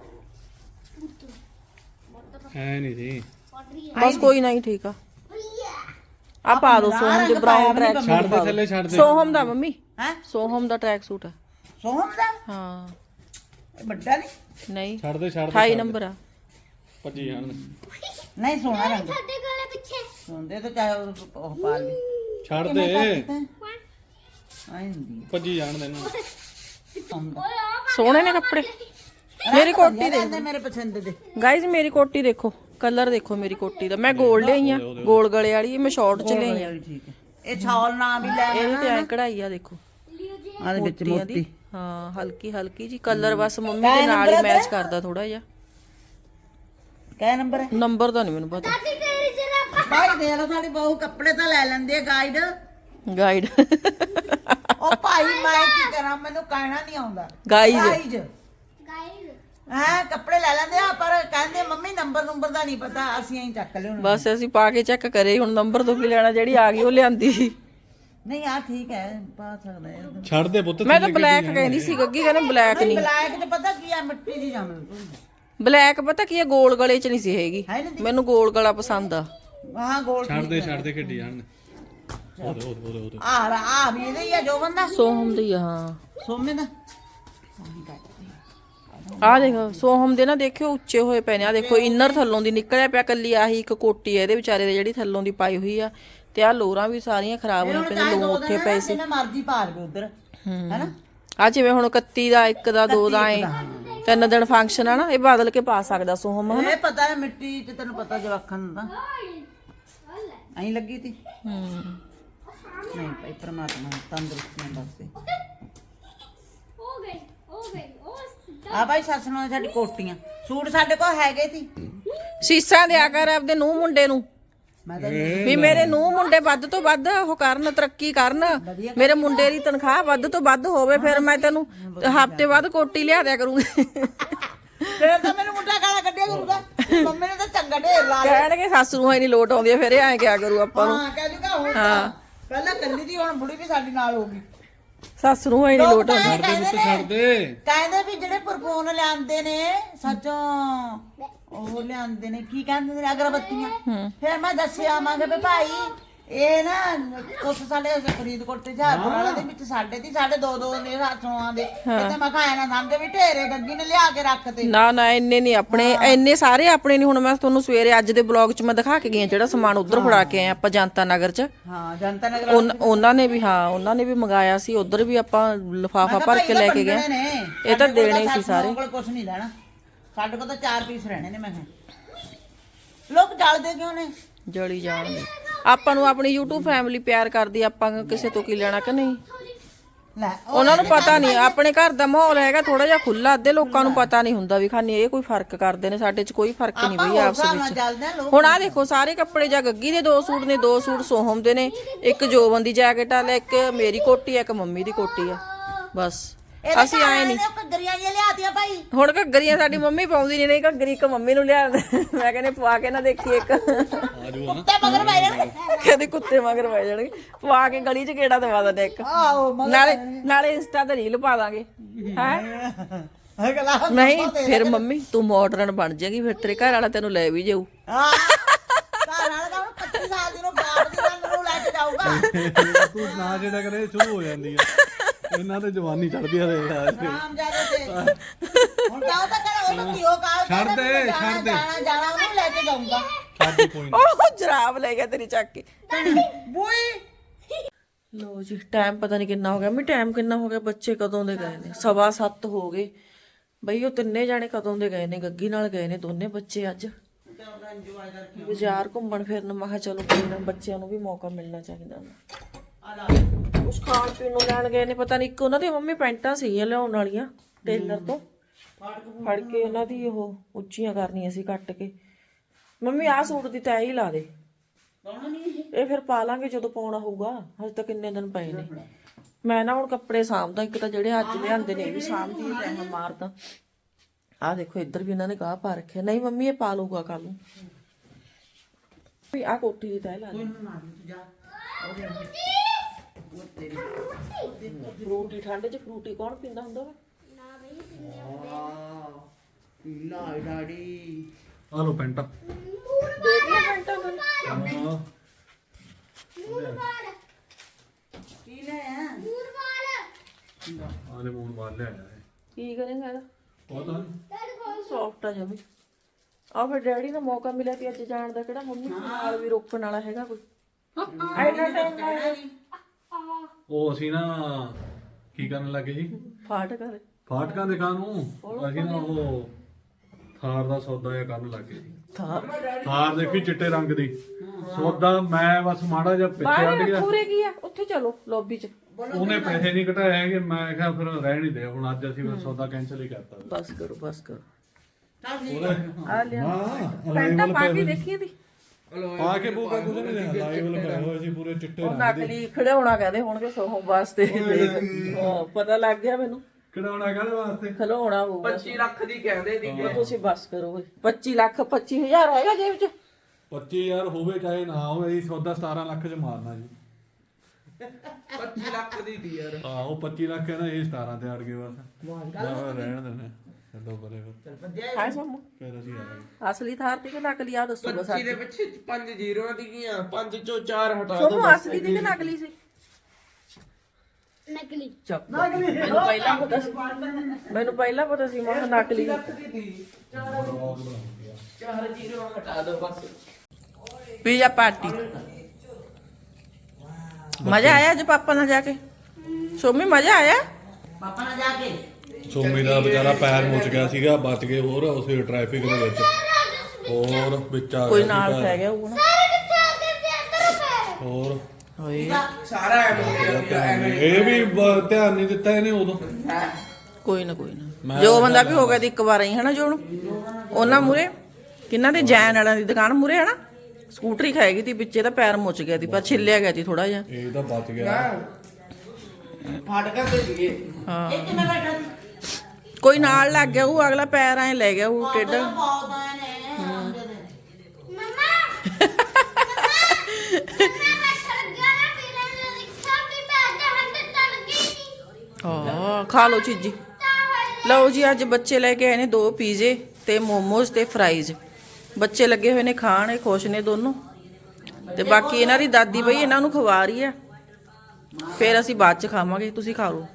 Speaker 1: ਐ ਨਹੀਂ ਸੀ।
Speaker 2: ਬਸ ਕੋਈ ਨਹੀਂ, ਠੀਕ ਆ। ਆ ਪਾ ਦੋ ਸੋਹਮ ਦੇ ਬਰਾਊਨ ਟਰੈਕ
Speaker 1: ਛੱਡ ਦੇ ਥੱਲੇ ਛੱਡ ਦੇ।
Speaker 2: ਸੋਹਮ ਦਾ ਮੰਮੀ,
Speaker 8: ਹੈ
Speaker 2: ਸੋਹਮ ਦਾ ਟਰੈਕ ਸੂਟ ਆ।
Speaker 8: ਸੋਹਣ ਦਾ
Speaker 2: ਹਾਂ
Speaker 8: ਇਹ ਵੱਡਾ ਨਹੀਂ
Speaker 2: ਨਹੀਂ
Speaker 1: ਛੱਡ ਦੇ ਛੱਡ ਦੇ
Speaker 2: ਅਠਾਈ ਨੰਬਰ ਆ।
Speaker 1: ਭੱਜੀ ਜਾਣ ਦੇ।
Speaker 8: ਨਹੀਂ ਸੋਹਣਾ ਰੰਗ
Speaker 3: ਸਾਡੇ ਕੋਲ ਪਿੱਛੇ
Speaker 8: ਸੋਹਣਦੇ ਤਾਂ ਚਾਹੇ ਉਹ ਉਹ ਪਾ ਲਈ
Speaker 1: ਛੱਡ ਦੇ
Speaker 8: ਆਈ ਹੁੰਦੀ
Speaker 1: ਭੱਜੀ ਜਾਣ ਦੇ ਇਹਨੂੰ।
Speaker 8: ਸੋਹਣਾ
Speaker 2: ਸੋਹਣੇ ਨੇ ਕੱਪੜੇ। ਮੇਰੀ ਕੋਟੀ ਦੇ
Speaker 8: ਦੇ ਮੇਰੇ ਪਸੰਦ ਦੇ
Speaker 2: ਗਾਇਜ਼, ਮੇਰੀ ਕੋਟੀ ਦੇਖੋ, ਕਲਰ ਦੇਖੋ ਮੇਰੀ ਕੋਟੀ ਦਾ। ਮੈਂ ਗੋਲ ਲਈ ਆ, ਗੋਲ ਗਲੇ ਵਾਲੀ। ਇਹ ਮੈਂ ਸ਼ਾਰਟ ਚ ਲਈ ਆ।
Speaker 8: ਠੀਕ ਹੈ। ਇਹ ਛਾਲ ਨਾ ਵੀ ਲੈ
Speaker 2: ਇਹਦੀ ਤੇ ਐ ਕਢਾਈ ਆ ਦੇਖੋ,
Speaker 8: ਆ ਦੇ ਵਿੱਚ
Speaker 2: ਮੋਤੀਆਂ
Speaker 8: ਮੋਤੀ
Speaker 2: ਦੀ। ਹਾਂ ਹਲਕੀ ਹਲਕੀ ਜੀ ਕਲਰ, ਬਸ ਮੰਮੀ ਦੇ ਨਾਲ ਹੀ ਮੈਚ ਕਰਦਾ ਥੋੜਾ ਜਿਹਾ।
Speaker 8: ਕਿਆ ਨੰਬਰ ਹੈ
Speaker 2: ਨੰਬਰ ਤਾਂ ਨਹੀਂ ਮੈਨੂੰ ਪਤਾ।
Speaker 3: ਦਾਦੀ ਤੇਰੀ ਜਰਾ
Speaker 8: ਭਾਈ ਦੇ ਲੋ ਸਾਡੀ ਬਹੂ ਕੱਪੜੇ ਤਾਂ ਲੈ ਲੈਂਦੀ ਹੈ ਗਾਈਡ।
Speaker 2: ਗਾਈਡ
Speaker 8: ਉਹ ਭਾਈ ਮੈਂ ਕੀ ਕਰਾਂ, ਮੈਨੂੰ ਕਹਿਣਾ ਨਹੀਂ ਆਉਂਦਾ।
Speaker 2: ਗਾਈਜ਼
Speaker 8: ਗਾਈਜ਼
Speaker 3: ਗਾਈਜ਼
Speaker 8: ਹਾਂ ਕੱਪੜੇ ਲੈ ਲੈਂਦੇ ਆ, ਪਰ ਕਹਿੰਦੇ ਮੰਮੀ ਨੰਬਰ ਨੰਬਰ ਦਾ ਨਹੀਂ ਪਤਾ, ਅਸੀਂ ਐਂ ਚੱਕ ਲਿਓ।
Speaker 2: ਬਸ ਅਸੀਂ ਪਾ ਕੇ ਚੈੱਕ ਕਰੇ, ਹੁਣ ਨੰਬਰ ਤੋਂ ਕੀ ਲੈਣਾ, ਜਿਹੜੀ ਆ ਗਈ ਉਹ ਲਿਆਂਦੀ।
Speaker 8: ਨਹੀਂ ਆ ਠੀਕ ਹੈ, ਪਾ ਸਕਦਾ ਹੈ।
Speaker 1: ਛੱਡ ਦੇ ਪੁੱਤ।
Speaker 2: ਮੈਂ ਤਾਂ ਬਲੈਕ ਕਹਿੰਦੀ ਸੀ, ਗੱਗੀ ਕਹਿੰਦੇ ਬਲੈਕ ਨਹੀਂ।
Speaker 8: ਬਲੈਕ ਤੇ ਪਤਾ ਕੀ ਆ, ਮਿੱਟੀ ਦੀ ਜੰਮ
Speaker 2: ਬਲੈਕ ਪਤਾ ਕੀ ਹੈ, ਗੋਲ ਗਲੇ ਚ ਨਹੀਂ ਸੀ ਹੈਗੀ।
Speaker 8: ਹੈ ਨਾ
Speaker 2: ਮੈਨੂੰ ਗੋਲ ਗਲਾ ਪਸੰਦ ਆ।
Speaker 8: ਹਾਂ ਗੋਲ
Speaker 1: ਛੱਡ ਦੇ ਛੱਡ ਦੇ ਖੇਡੀ ਜਾਣ ਦੇ। ਉਹਦੇ ਉਹਦੇ ਉਹਦੇ ਉਹਦੇ
Speaker 8: ਆ ਆ ਵੀ ਇਹਦੇ ਹੀ ਆ ਜੋ ਬੰਦਾ
Speaker 2: ਸੋਹਮ ਦੀ ਆ। ਹਾਂ
Speaker 8: ਸੋਮੇ ਦਾ
Speaker 2: ਆ ਦੇਖੋ ਸੋਹਮ ਦੇ ਨਾ, ਦੇਖਿਓ ਉੱਚੇ ਹੋਏ ਪਏ ਨੇ। ਆ ਦੇਖੋ ਇਨਰ ਥੱਲੋਂ ਦੀ ਨਿਕਲਿਆ ਪਿਆ, ਕੱਲੀ ਆਹੀ ਇੱਕ ਕੋਟੀ ਹੈ ਇਹਦੇ ਵਿਚਾਰੇ ਦੇ ਜਿਹੜੀ ਥੱਲੋਂ ਦੀ ਪਾਈ ਹੋਈ ਆ। ਤੇ ਆ ਲੋਰਾਂ ਵੀ ਸਾਰੀਆਂ ਖਰਾਬ ਹੋਈਆਂ ਪਈਆਂ, ਲੋ ਉੱਥੇ ਪਏ ਸੀ।
Speaker 8: ਜਿਵੇਂ ਮਰਜ਼ੀ ਪਾ ਲਵੇ ਉਧਰ ਹੈਨਾ।
Speaker 2: ਆ ਜਿਵੇਂ ਹੁਣ ਇਕੱਤੀ ਦਾ, ਇੱਕ ਦਾ, ਦੋ ਦਾ, ਐ ਤਿੰਨ ਦਿਨ ਫੰਕਸ਼ਨ ਆ ਨਾ, ਇਹ ਬਦਲ ਕੇ ਪਾ ਸਕਦਾ ਸੋਹਮ।
Speaker 8: ਇਹ ਪਤਾ ਹੈ ਮਿੱਟੀ ਚ, ਤੈਨੂੰ ਪਤਾ ਜਵਾਖਾਂ ਦਾ ਐਂ ਲੱਗੀ ਤੀ।
Speaker 2: ਹੂੰ
Speaker 8: ਨਹੀਂ ਭਾਈ ਪ੍ਰਮਾਤਮਾ ਤੰਦਰੁਸਤੀਆਂ ਬਖਸ਼ੇ।
Speaker 3: ਹੋ ਗਈ ਹੋ ਗਈ ਉਹ
Speaker 8: ਆ ਭਾਈ ਸੱਸ ਨਾਲ ਸਾਡੀ ਕੋਟੀਆਂ ਸੂਟ ਸਾਡੇ ਕੋਲ ਹੈਗੇ ਸੀ।
Speaker 2: ਸੀਸਾਂ ਦਿਆ ਕਰ ਆਪਦੇ ਨੂੰਹ ਮੁੰਡੇ ਨੂੰ,
Speaker 8: ਮੈਂ ਤਾਂ
Speaker 2: ਵੀ ਮੇਰੇ ਨੂੰਹ ਮੁੰਡੇ ਵੱਧ ਤੋਂ ਵੱਧ ਉਹ ਕਰਨ, ਤਰੱਕੀ ਕਰਨ, ਮੇਰੇ ਮੁੰਡੇ ਦੀ ਤਨਖਾਹ ਵੱਧ ਤੋਂ ਵੱਧ ਹੋਵੇ, ਫਿਰ ਮੈਂ ਤੈਨੂੰ ਹਫ਼ਤੇ ਬਾਅਦ ਕੋਟੀ ਲਿਆ ਦਿਆ ਕਰੂੰਗੀ।
Speaker 8: ਫੇਰ ਤਾਂ ਮੈਨੂੰ ਮੁੰਡਾ ਗਾਲਾਂ ਕੱਢਿਆ ਕਰੂਗਾ, ਮੰਮੀ ਨੇ ਤਾਂ ਚੰਗਾ ਢੇਰ ਲਾ ਲਿਆ।
Speaker 2: ਕਹਿਣਗੇ ਸੱਸ ਨੂੰ ਹੀ ਨਹੀਂ ਲੋਟ ਆਉਂਦੀ, ਫਿਰ ਇਹ ਐਂ ਕਿਆ ਕਰੂ ਆਪਾਂ ਨੂੰ।
Speaker 8: ਹਾਂ ਕਹਿ ਜੂਗਾ ਹੁਣ ਤਾਂ ਪਹਿਲਾਂ ਕੱਲੀ ਦੀ, ਹੁਣ ਬੁੜੀ ਵੀ ਸਾਡੀ ਨਾਲ ਹੋ ਗਈ।
Speaker 2: ਸੱਸ ਨੂੰ ਹੀ ਨਹੀਂ ਲੋਟ ਆਉਂਦੀ।
Speaker 8: ਕਹਿੰਦੇ ਨੇ
Speaker 1: ਛੱਡ ਦੇ।
Speaker 8: ਕਹਿੰਦੇ ਵੀ ਜਿਹੜੇ ਪਰਫੂਨ ਲਿਆਂਦੇ ਨੇ ਸੱਚੋਂ ਉਹ ਲਿਆਂਦੇ ਨੇ, ਕੀ ਕਹਿੰਦੇ ਨੇ, ਅਗਰਬੱਤੀਆਂ। ਫਿਰ ਮੈਂ ਦੱਸਿਆ ਆਵਾਂਗੇ ਵੀ ਭਾਈ ਇਹ ਨਾ ਕੁਛ ਸਾਡੇ ਫਰੀਦਕੋਟ ਤੇ ਝਾਰਪੁਰ ਵਾਲੇ ਦੇ ਵਿੱਚ ਸਾਡੇ ਦੀ ਸਾਡੇ ਦੋ ਦੋ ਨੇ ਰਾਸੋਆਂ ਦੇ, ਤੇ ਮੈਂ ਖਾਇਆ ਨਾ ਸਮਝੇ ਵੀ ਢੇਰੇ ਗੱਗੀ ਨੇ ਲਿਆ ਕੇ ਰੱਖਤੇ।
Speaker 2: ਨਾ ਨਾ ਇੰਨੇ ਨਹੀਂ ਆਪਣੇ, ਇੰਨੇ ਸਾਰੇ ਆਪਣੇ ਨਹੀਂ। ਹੁਣ ਮੈਂ ਤੁਹਾਨੂੰ ਸਵੇਰੇ ਅੱਜ ਦੇ ਬਲੌਗ 'ਚ ਮੈਂ ਦਿਖਾ ਕੇ ਗਈ ਹਾਂ ਜਿਹੜਾ ਸਮਾਨ ਉਧਰ ਫੜਾ ਕੇ ਆਏ ਆਪਾਂ ਜਨਤਾ ਨਗਰ 'ਚ।
Speaker 8: ਹਾਂ ਜਨਤਾ ਨਗਰ
Speaker 2: ਉਨ- ਉਹਨਾਂ ਨੇ ਵੀ, ਹਾਂ ਉਹਨਾਂ ਨੇ ਵੀ ਮੰਗਾਇਆ ਸੀ, ਉਧਰ ਵੀ ਆਪਾਂ ਲਿਫਾਫਾ ਭਰ ਕੇ ਲੈ ਕੇ ਗਏ। ਇਹ ਤਾਂ ਦੇਣੇ ਸੀ ਸਾਰੇ।
Speaker 8: ਕੋਲ ਕੁਝ ਨਹੀਂ ਲੈਣਾ, ਸਾਡੇ ਕੋਲ ਤਾਂ ਚਾਰ ਪੀਸ ਰਹਿਣੇ ਨੇ। ਮੈਂ ਕਿਹਾ ਲੋਕ ਜਲਦੇ ਕਿਉਂ ਨੇ?
Speaker 2: ਜਲੀ ਜਾਣਗੇ। ਆਪਾਂ ਨੂੰ ਆਪਣੀ YouTube ਫੈਮਿਲੀ ਪਿਆਰ ਕਰਦੀ, ਆਪਾਂ ਕਿਸੇ ਤੋਂ ਕੀ ਲੈਣਾ ਕਿ ਨਹੀਂ।
Speaker 8: ਲੈ
Speaker 2: ਉਹਨਾਂ ਨੂੰ ਪਤਾ ਨਹੀਂ, ਆਪਣੇ ਘਰ ਦਾ ਮਾਹੌਲ ਹੈਗਾ ਥੋੜਾ ਜਿਹਾ ਖੁੱਲਾ, ਅੱਧੇ ਲੋਕਾਂ ਨੂੰ ਪਤਾ ਨਹੀਂ ਹੁੰਦਾ ਵੀ ਖਾਨੀ ਇਹ ਕੋਈ ਫਰਕ ਕਰਦੇ ਨੇ। ਸਾਡੇ 'ਚ ਕੋਈ ਫਰਕ ਨਹੀਂ ਬਈ ਆਪਸ ਵਿੱਚ।
Speaker 8: ਚੱਲਦੇ ਆ ਲੋਕ।
Speaker 2: ਹੁਣ ਆ ਦੇਖੋ ਸਾਰੇ ਕੱਪੜੇ, ਜਾਂ ਗੱਗੀ ਦੇ ਦੋ ਸੂਟ ਨੇ, ਦੋ ਸੂਟ ਸੋਹਮ ਦੇ ਨੇ, ਇੱਕ ਜੋਬਨ ਦੀ ਜੈਕਟ ਆ, ਲੈ ਇੱਕ ਮੇਰੀ ਕੋਟੀ ਆ, ਇੱਕ ਮੰਮੀ ਦੀ ਕੋਟੀ ਆ। ਬਸ ਅਸੀਂ ਆਏ ਨਹੀਂ।
Speaker 8: ਘੱਗਰੀਆਂ ਜਿਹੀਆਂ ਲਿਆਤੀਆਂ ਭਾਈ।
Speaker 2: ਹੁਣ ਘੱਗਰੀਆਂ ਸਾਡੀ ਮੰਮੀ ਪਾਉਂਦੀ ਨਹੀਂ, ਨਹੀਂ ਘੱਗਰੀ ਇੱਕ ਮੰਮੀ ਨੂੰ ਲਿਆ ਦੇ। ਮੈਂ ਕਹਿੰਦੇ ਪਵਾ ਕੇ ਨਾ ਦੇਖੀ ਇੱਕ,
Speaker 8: ਕੁੱਤੇ ਮਗਰ ਪੈ ਜਾਣਗੇ।
Speaker 2: ਕਹਿੰਦੇ ਕੁੱਤੇ ਮਗਰ ਪੈ ਜਾਣਗੇ। ਪਵਾ ਕੇ ਗਲੀ 'ਚ ਗੇੜਾ ਦਵਾ ਦਿੰਦੇ ਇੱਕ,
Speaker 8: ਆਹੋ ਮਗਰ
Speaker 2: ਨਾਲੇ ਨਾਲੇ ਇੰਸਟਾ ਤੇ ਰੀਲ ਪਾ ਦਾਂਗੇ। ਹੈ
Speaker 8: ਅਗਲਾ
Speaker 2: ਨਹੀਂ ਫਿਰ ਮੰਮੀ ਤੂੰ ਮਾਡਰਨ ਬਣ ਜਾਏਗੀ, ਫਿਰ ਤੇਰੇ ਘਰ ਵਾਲਾ ਤੈਨੂੰ ਲੈ ਵੀ ਜਾਊ।
Speaker 8: ਹਾਂ ਘਰ ਵਾਲਾ ਤਾਂ ਹੁਣ ਪੱਚੀ ਸਾਲ ਦੀ ਨੂੰ ਬਾਪ ਦੀ ਰੰਗ ਨੂੰ ਲੈ ਕੇ ਜਾਊਗਾ।
Speaker 1: ਤੂੰ ਨਾ ਜਿਹੜਾ ਕਰੇ ਸ਼ੁਰੂ ਹੋ ਜਾਂਦੀ ਆ ਇਹਨਾਂ ਤੇ ਜਵਾਨੀ ਚੜਦੀ ਆ ਦੇਖ ਲੈ
Speaker 8: ਨਾਮ ਜਾਦੇ ਤੇ ਹੁਣ ਤਾਂ ਉਹ ਤਾਂ ਕਰ ਉਹਨੂੰ ਕੀ ਉਹ ਕਾਲ
Speaker 1: ਛੱਡ ਦੇ, ਛੱਡ ਦੇ।
Speaker 8: ਜਾਣਾ ਜਾਣਾ ਉਹਨੂੰ ਲੈ ਕੇ ਜਾਊਂਗਾ
Speaker 1: ਸਾਡੀ ਕੋਈ
Speaker 2: ਉਹ ਜਰਾਬ ਲੈ ਗਿਆ ਤੇਰੀ ਚੱਕ ਕੇ
Speaker 8: ਬੂਈ
Speaker 2: ਲੋ ਜੀ ਟਾਈਮ ਪਤਾ ਨਹੀਂ ਕਿੰਨਾ ਹੋ ਗਿਆ ਮੈਂ ਟਾਈਮ ਕਿੰਨਾ ਹੋ ਗਿਆ ਬੱਚੇ ਕਦੋਂ ਦੇ ਗਏ ਨੇ ਸਵਾ ਸੱਤ ਹੋ ਗਏ ਬਈ ਉਹ ਤਿੰਨੇ ਜਾਣੇ ਕਦੋਂ ਦੇ ਗਏ ਨੇ ਗੱਗੀ ਨਾਲ ਗਏ ਨੇ ਦੋਨੇ ਬੱਚੇ ਅੱਜ ਬਾਜ਼ਾਰ ਘੁੰਮਣ ਫਿਰਨ ਮੈਂ ਕਿਹਾ ਚਲੋ ਕੋਈ ਨਾ ਬੱਚਿਆਂ ਨੂੰ ਵੀ ਮੌਕਾ ਮਿਲਣਾ ਚਾਹੀਦਾ ਕੁਛ ਖਾਣ ਪੀਣ ਨੂੰ ਲੈਣ ਗਏ ਨੇ ਪਤਾ ਨਹੀਂ ਇੱਕ ਉਹਨਾਂ ਦੀ ਮੰਮੀ ਪੈਂਟਾਂ ਸੀਗੀਆਂ ਲਿਆਉਣ ਵਾਲੀਆਂ ਟੇਲਰ ਤੋਂ ਫੜ ਕੇ ਉਹਨਾਂ ਦੀ ਉਹ ਉੱਚੀਆਂ ਕਰਨੀਆਂ ਸੀ ਕੱਟ ਕੇ ਮੰਮੀ ਆਹ ਸੂਟ ਦੀ ਤੈਅ ਹੀ ਲਾ ਦੇ ਇਹ ਫਿਰ ਪਾ ਲਾਂਗੇ ਜਦੋਂ ਪਾਉਣਾ ਹੋਊਗਾ ਹਜੇ ਤਾਂ ਕਿੰਨੇ ਦਿਨ ਪਏ ਨੇ ਮੈਂ ਨਾ ਹੁਣ ਕੱਪੜੇ ਸਾਂਭਦਾ ਇੱਕ ਤਾਂ ਜਿਹੜੇ ਅੱਜ ਲਿਆਂਦੇ ਨੇ ਇਹ ਵੀ ਸਾਂਭਦੀ ਟਾਈਮ ਮਾਰਦਾ ਆਹ ਦੇਖੋ ਇੱਧਰ ਵੀ ਇਹਨਾਂ ਨੇ ਗਾਹ ਪਾ ਰੱਖਿਆ ਨਹੀਂ ਮੰਮੀ ਇਹ ਪਾ ਲਊਗਾ ਕੱਲ ਨੂੰ ਵੀ ਆਹ ਕੋਠੀ ਦੀ ਤੈਅ ਲਾ ਦੇ ਫਰੂਟੀ ਠੰਡ 'ਚ ਫਰੂਟੀ ਕੌਣ ਪੀਂਦਾ ਹੁੰਦਾ ਵਾ
Speaker 8: ਪੀਲਾ ਡਾੜੀ
Speaker 1: ਆ ਲੋ ਪੈਂਟਾ
Speaker 2: ਦੇਖ ਲੈ ਘੰਟਾ ਮੈਨੂੰ
Speaker 1: ਹਾਂ
Speaker 8: ਕੀ ਲੈ ਆ
Speaker 1: ਆਲੇ ਮੂੰਹ ਮਾਰ ਲਿਆ ਹੈ
Speaker 2: ਕੀ ਕਰੇਂਗਾ ਇਹਦਾ
Speaker 1: ਪਤਾ ਨਹੀਂ
Speaker 2: ਸੌਫਟ ਆ ਜਮੀ ਆ ਫਿਰ ਡੈਡੀ ਨੂੰ ਮੌਕਾ ਮਿਲਿਆ ਕਿ ਅੱਜ ਜਾਣ ਦਾ ਕਿਹੜਾ ਮੰਮੀ ਨਾਲ ਵੀ ਰੋਕਣ ਵਾਲਾ ਹੈਗਾ ਕੋਈ ਐਨਾ ਟਾਈਮ ਲਾਇਆ
Speaker 1: ਉਹ ਅਸੀਂ ਨਾ ਕੀ ਕਰਨ ਲੱਗੇ ਜੀ
Speaker 2: ਫਾਟ ਕਰ
Speaker 1: ਫਾਟਕਾਂ ਦੇ ਕਾਨੂੰ ਅਸੀਂ ਨਾ ਉਹ ਥਾਰ ਦਾ ਸੌਦਾ ਜਿਹਾ ਕਰਨ ਲੱਗੇ ਜੀ
Speaker 2: ਥਾਰ
Speaker 1: ਥਾਰ ਦੇਖੀ ਚਿੱਟੇ ਰੰਗ ਦੀ ਸੌਦਾ ਮੈਂ ਬਸ ਮਾੜਾ ਜਿਹਾ ਪਿੱਛੇ ਹਟ
Speaker 2: ਬਾਹਰ
Speaker 1: ਗਿਆ
Speaker 2: ਖੂਰੇ ਕੀ ਆ ਉੱਥੇ ਚਲੋ ਲੌਬੀ 'ਚ
Speaker 1: ਉਹਨੇ ਪੈਸੇ ਨਹੀਂ ਘਟਾਏ ਹੈਗੇ ਮੈਂ ਕਿਹਾ ਫਿਰ ਰਹਿਣ ਹੀ ਦੇ ਹੁਣ ਅੱਜ ਅਸੀਂ ਫਿਰ ਸੌਦਾ ਕੈਨਸਲ ਹੀ ਕਰਤਾ
Speaker 2: ਬਸ ਕਰੋ ਬਸ ਕਰੋ
Speaker 1: ਉਹਦੇ
Speaker 2: ਆ ਲਿਆ ਪੈਂਟਾ ਪਾ ਕੇ ਦੇਖੀ ਦੀ
Speaker 1: ਪਾ ਕੇ ਬੂਗਾ ਕੁਝ ਨਹੀਂ ਦੇਣਾ ਲਾਈਵ ਲਗਾਏ ਹੋਏ ਸੀ ਪੂਰੇ ਚਿੱਟੇ
Speaker 2: ਉਹ
Speaker 1: ਰੰਗ ਦੇ
Speaker 2: ਨਕਲੀ ਖੜਾਉਣਾ ਕਹਿੰਦੇ ਹੋਣਗੇ ਸੋਹਣ ਵਾਸਤੇ ਹਾਂ ਪਤਾ ਲੱਗ ਗਿਆ ਮੈਨੂੰ
Speaker 1: ਕਿਹੜਾ ਕਾਹਦੇ ਵਾਸਤੇ
Speaker 2: ਖਲੋਣਾ ਹੋਊਗਾ
Speaker 7: ਪੱਚੀ ਲੱਖ ਦੀ ਕਹਿੰਦੇ ਦੀ
Speaker 2: ਉਹ ਤੁਸੀਂ ਬਸ ਕਰੋ ਓਏ ਪੱਚੀ ਲੱਖ ਪੱਚੀ ਹਜ਼ਾਰ ਹੈਗਾ ਜੇਬ 'ਚ
Speaker 1: ਪੱਚੀ ਹਜ਼ਾਰ ਹੋਵੇ ਚਾਹੇ ਨਾ ਹੋਵੇ ਇਹ ਸੌਦਾ ਸਤਾਰਾਂ ਲੱਖ ਚ ਮਾਰਨਾ ਜੀ
Speaker 7: ਪੱਚੀ ਲੱਖ ਦੀ ਦੀ ਯਾਰ
Speaker 1: ਆਹੋ ਪੱਚੀ ਲੱਖ ਹੈ ਨਾ ਇਹ ਸਤਾਰਾਂ ਤੇ ਅੜ ਗਏ ਬਸ ਜਾ ਰਹਿਣ ਦਿੰਦੇ ਛੱਡੋ ਪਰੇ ਫਿਰ
Speaker 2: ਹਾਏ ਸੋਮੂ
Speaker 1: ਫਿਰ ਅਸੀਂ ਆ ਗਏ
Speaker 2: ਅਸਲੀ ਥਾਰ ਤੇ ਕਿ ਨਕਲੀ ਆ ਦੱਸੂਗਾ
Speaker 7: ਪੱਚੀ
Speaker 2: ਸਾਡੇ
Speaker 7: ਦੇ ਪਿੱਛੇ ਪੰਜ ਜ਼ੀਰੋਆਂ ਦੀ ਗਈਆਂ ਪੰਜ ਚੋਂ ਚਾਰ ਹਟਾ
Speaker 2: ਸੋਮੂ ਅਸਲੀ ਦੀ ਕਿ ਨਕਲੀ ਸੀ
Speaker 3: ਨਕਲੀ
Speaker 2: ਚੱਪ ਮੈਨੂੰ ਪਹਿਲਾਂ ਪਤਾ ਸੀ ਮੈਨੂੰ ਪਹਿਲਾਂ ਪਤਾ ਸੀ ਮੈਂ ਕਿਹਾ ਨਕਲੀ
Speaker 7: ਚਾਰ ਜ਼ੀਰੋ ਹਟਾ ਦੋ ਬਸ
Speaker 2: ਪੀਜ਼ਾ ਪਾਰਟੀ ਮਜ਼ਾ ਆਇਆ ਅੱਜ ਪਾਪਾ ਨਾਲ ਜਾ ਕੇ ਸੋਮੀ ਮਜ਼ਾ ਆਇਆ
Speaker 8: ਪਾਪਾ ਨਾਲ ਜਾ ਕੇ
Speaker 1: ਸੋਮੀ ਦਾ ਵਿਚਾਰਾ ਪੈਰ ਮੁੱਚ ਗਿਆ ਸੀਗਾ ਬਚ ਗਏ ਹੋਰ ਉਸੇ ਟ੍ਰੈਫਿਕ ਦੇ ਵਿੱਚ ਹੋਰ ਵਿੱਚ ਆ
Speaker 2: ਕੋਈ
Speaker 1: ਗਿਆ
Speaker 2: ਨਾਲ
Speaker 1: ਸੀ
Speaker 2: ਪੈ ਗਿਆ ਹੋਊਗਾ ਨਾ
Speaker 3: ਸਾਰੇ ਕਿੱਥੇ ਆਉਂਦੇ ਸੀ ਅੰਦਰ ਪੈਰ
Speaker 1: ਹੋਰ
Speaker 2: ਹੋਏ
Speaker 7: ਸਾਰਾ ਐਵੇਂ
Speaker 1: ਇਹ ਵੀ ਬ- ਧਿਆਨ ਨਹੀਂ ਦਿੱਤਾ ਇਹਨੇ ਉਦੋਂ
Speaker 2: ਕੋਈ ਨਾ ਕੋਈ ਨਾ ਜੋ ਬੰਦਾ ਵੀ ਹੋ ਗਿਆ ਦੀ ਇੱਕ ਵਾਰ ਹੀ ਹਨਾ ਜੋ ਉਹਨਾਂ ਮੂਰੇ ਕਿੰਨਾ ਦੇ ਜੈਨ ਵਾਲਿਆਂ ਦੀ ਦੁਕਾਨ ਮੂਰੇ ਹਨਾ ਸਕੂਟਰੀ ਖਾਏਗੀ ਤੀ ਵਿੱਚੇ ਤਾਂ ਪੈਰ ਮੁੱਚ ਗਿਆ ਤੀ ਪਰ ਛਿੱਲਿਆ ਗਿਆ ਤੀ ਥੋੜਾ ਜਿਹਾ
Speaker 1: ਇਹ ਤਾਂ ਬਚ ਗਿਆ
Speaker 7: ਫਾਟਕਾਂ ਤੇ ਸੀਗੇ
Speaker 2: ਹਾਂ
Speaker 8: ਇਹ ਕਿਵੇਂ ਬੈਠਾ ਸੀ
Speaker 2: ਕੋਈ ਨਾਲ ਲੱਗ ਗਿਆ ਉਹ ਅਗਲਾ ਪੈਰ ਐ ਲੈ ਗਿਆ ਉਹ ਟੇਡਾ
Speaker 8: ਬਹੁਤ ਆਏ ਨੇ ਆਉਂਦੇ ਨੇ
Speaker 3: ਮਮਾ ਮੈਂ ਛੱਡ ਗਿਆ ਨਾ ਫਿਰ ਇਹ ਰਿਕਸ਼ਾ ਵੀ ਪੈਰ ਦੇ ਹੰਦ ਤਲ ਗਈ
Speaker 2: ਹਾਂ ਖਾ ਲਓ ਚੀਜੀ ਲਓ ਜੀ ਅੱਜ ਬੱਚੇ ਲੈ ਕੇ ਆਏ ਨੇ ਦੋ ਪੀਜ਼ੇ ਤੇ ਮੋਮੋਜ਼ ਤੇ ਫਰਾਈਜ਼ ਬੱਚੇ ਲੱਗੇ ਹੋਏ ਨੇ ਖਾਣ ਇਹ ਖੁਸ਼ ਨੇ ਦੋਨੋਂ ਤੇ ਬਾਕੀ ਇਹਨਾਂ ਦੀ ਦਾਦੀ ਬਈ ਇਹਨਾਂ ਨੂੰ ਖਵਾ ਰਹੀ ਆ ਫਿਰ ਅਸੀਂ ਬਾਅਦ ਚ ਖਾਵਾਂਗੇ ਤੁਸੀਂ ਖਾ ਲਓ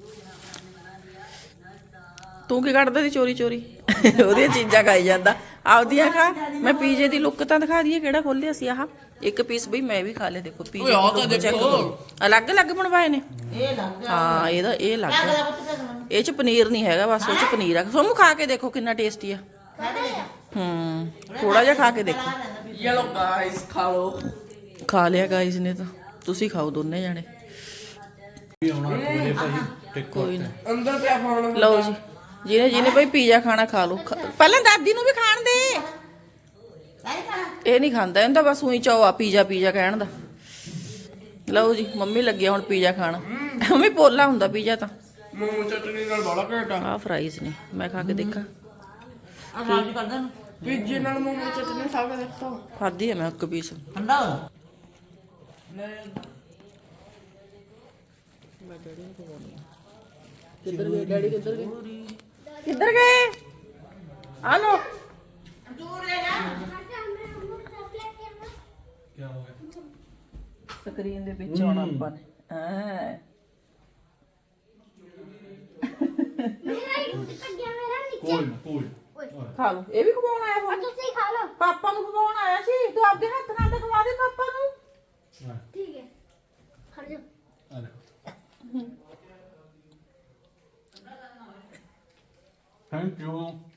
Speaker 2: ਤੂੰ ਕੀ ਕੱਢਦਾ ਦੀ ਚੋਰੀ ਚੋਰੀ ਉਹਦੀਆਂ ਚੀਜ਼ਾਂ ਖਾਈ ਜਾਂਦਾ ਆਪਦੀਆਂ ਖਾ ਮੈਂ ਪੀਜ਼ੇ ਦੀ ਲੁੱਕ ਤਾਂ ਦਿਖਾ ਦਈਏ ਕਿਹੜਾ ਖੋਲਿਆ ਸੀ ਆਹ ਇੱਕ ਪੀਸ ਬਈ ਮੈਂ ਵੀ ਖਾ ਲਿਆ ਦੇਖੋ ਪੀਜ਼ੇ ਦੀ ਚੈੱਕ ਕਰੋ ਅਲੱਗ ਅਲੱਗ ਬਣਵਾਏ ਨੇ
Speaker 8: ਇਹ ਲੱਗ ਗਿਆ
Speaker 2: ਹਾਂ ਇਹਦਾ ਇਹ ਲੱਗ
Speaker 8: ਕਿਆ
Speaker 2: ਗਿਆ
Speaker 8: ਕਰਿਆ ਪੁੱਤ ਤੇ
Speaker 2: ਇਹ ਚ ਪਨੀਰ ਨਹੀਂ ਹੈਗਾ ਬਸ ਉਹ ਚ ਪਨੀਰ ਆ ਸੋਮੂ ਖਾ ਕੇ ਦੇਖੋ ਕਿੰਨਾ ਟੇਸਟੀ ਆ
Speaker 8: ਖਾ ਕੇ ਦੇਖ
Speaker 2: ਹੂੰ ਥੋੜਾ ਜਿਹਾ ਖਾ ਕੇ ਦੇਖੋ
Speaker 7: ਯੈਲੋ ਗਾਇਸ ਖਾ ਲੋ
Speaker 2: ਖਾ ਲਿਆ ਗਾਇਸ ਨੇ ਤਾਂ ਤੁਸੀਂ ਖਾਓ ਦੋਨੇ ਜਾਣੇ
Speaker 1: ਆਉਣਾ ਅੱਠ ਵਜੇ ਭਾਈ
Speaker 2: ਕੋਈ ਨਾ
Speaker 7: ਅੰਦਰ ਪਿਆ ਫੋਨ
Speaker 2: ਲਓ ਜੀ ਜਿਹਨੇ ਜਿਹਨੇ ਭਾਈ ਪੀਜ਼ਾ ਖਾਣਾ ਖਾ ਲਓ ਖਾ- ਪਹਿਲਾਂ ਦਾਦੀ ਨੂੰ ਵੀ ਖਾਣ ਦੇ
Speaker 8: ਨਹੀਂ ਖਾਣਾ
Speaker 2: ਇਹ ਨਹੀਂ ਖਾਂਦਾ ਇਹਨੂੰ ਤਾਂ ਬਸ ਉਹੀ ਚਾਅ ਆ ਪੀਜ਼ਾ ਪੀਜ਼ਾ ਕਹਿਣ ਦਾ ਲਓ ਜੀ ਮੰਮੀ ਲੱਗੀ ਆ ਹੁਣ ਪੀਜ਼ਾ ਖਾਣ ਮੰਮੀ ਪੋਲਾ ਹੁੰਦਾ ਪੀਜ਼ਾ ਤਾਂ
Speaker 7: ਮੂੰਹ ਚਟਨੀ ਨਾਲ ਬੜਾ ਘਟਾ
Speaker 2: ਆਹ ਫਰਾਈਜ਼ ਨੇ ਮੈਂ ਖਾ ਕੇ ਦੇਖਾਂ
Speaker 8: ਆ ਸਾਫ ਕਰ ਦੇਣ
Speaker 7: ਪੀਜੇ ਨਾਲ ਮੂੰਹ ਚਟਨੀ ਖਾ ਕੇ ਦੇਖੋ
Speaker 2: ਖਾਧੀ ਆ ਮੈਂ ਇੱਕ ਪੀਸ
Speaker 8: ਠੰਡਾ ਹੋ
Speaker 2: ਕਿੱਧਰ ਗਏ ਡੈਡੀ ਕਿੱਧਰ ਗਏ ਕਿੱਧਰ ਗਏ ਆ ਲੋ
Speaker 8: ਦੂਰ ਲੈ ਜਾ
Speaker 1: ਕੀ ਹੋ ਗਿਆ
Speaker 2: ਸਕਰੀਨ ਦੇ ਵਿੱਚ ਆਉਣਾ ਆਪਾਂ ਨੇ ਹਾਂ
Speaker 3: ਮੇਰਾ ਹੀ ਰੂਟ ਕੱਢਿਆ ਮੇਰਾ ਨੀਚੇ
Speaker 4: ਕੋਈ ਨਾ ਕੋਈ ਨਾ।
Speaker 2: ਖਾ ਲਓ ਇਹ ਵੀ ਖਵਾਉਣ ਆਇਆ ਹੁਣ
Speaker 3: ਤੁਸੀਂ ਖਾ ਲਓ
Speaker 2: ਪਾਪਾ ਨੂੰ ਖਵਾਉਣ ਆਇਆ ਸੀ ਤੂੰ ਆਪਦੇ ਹੱਥ ਨਾਲ ਤਾਂ ਖਵਾ ਦੇ ਪਾਪਾ ਨੂੰ
Speaker 4: ਹਾਂ
Speaker 3: ਠੀਕ ਹੈ ਖੜ ਜਾ
Speaker 4: ਆ ਲੈ ਥੈਂਕ ਯੂ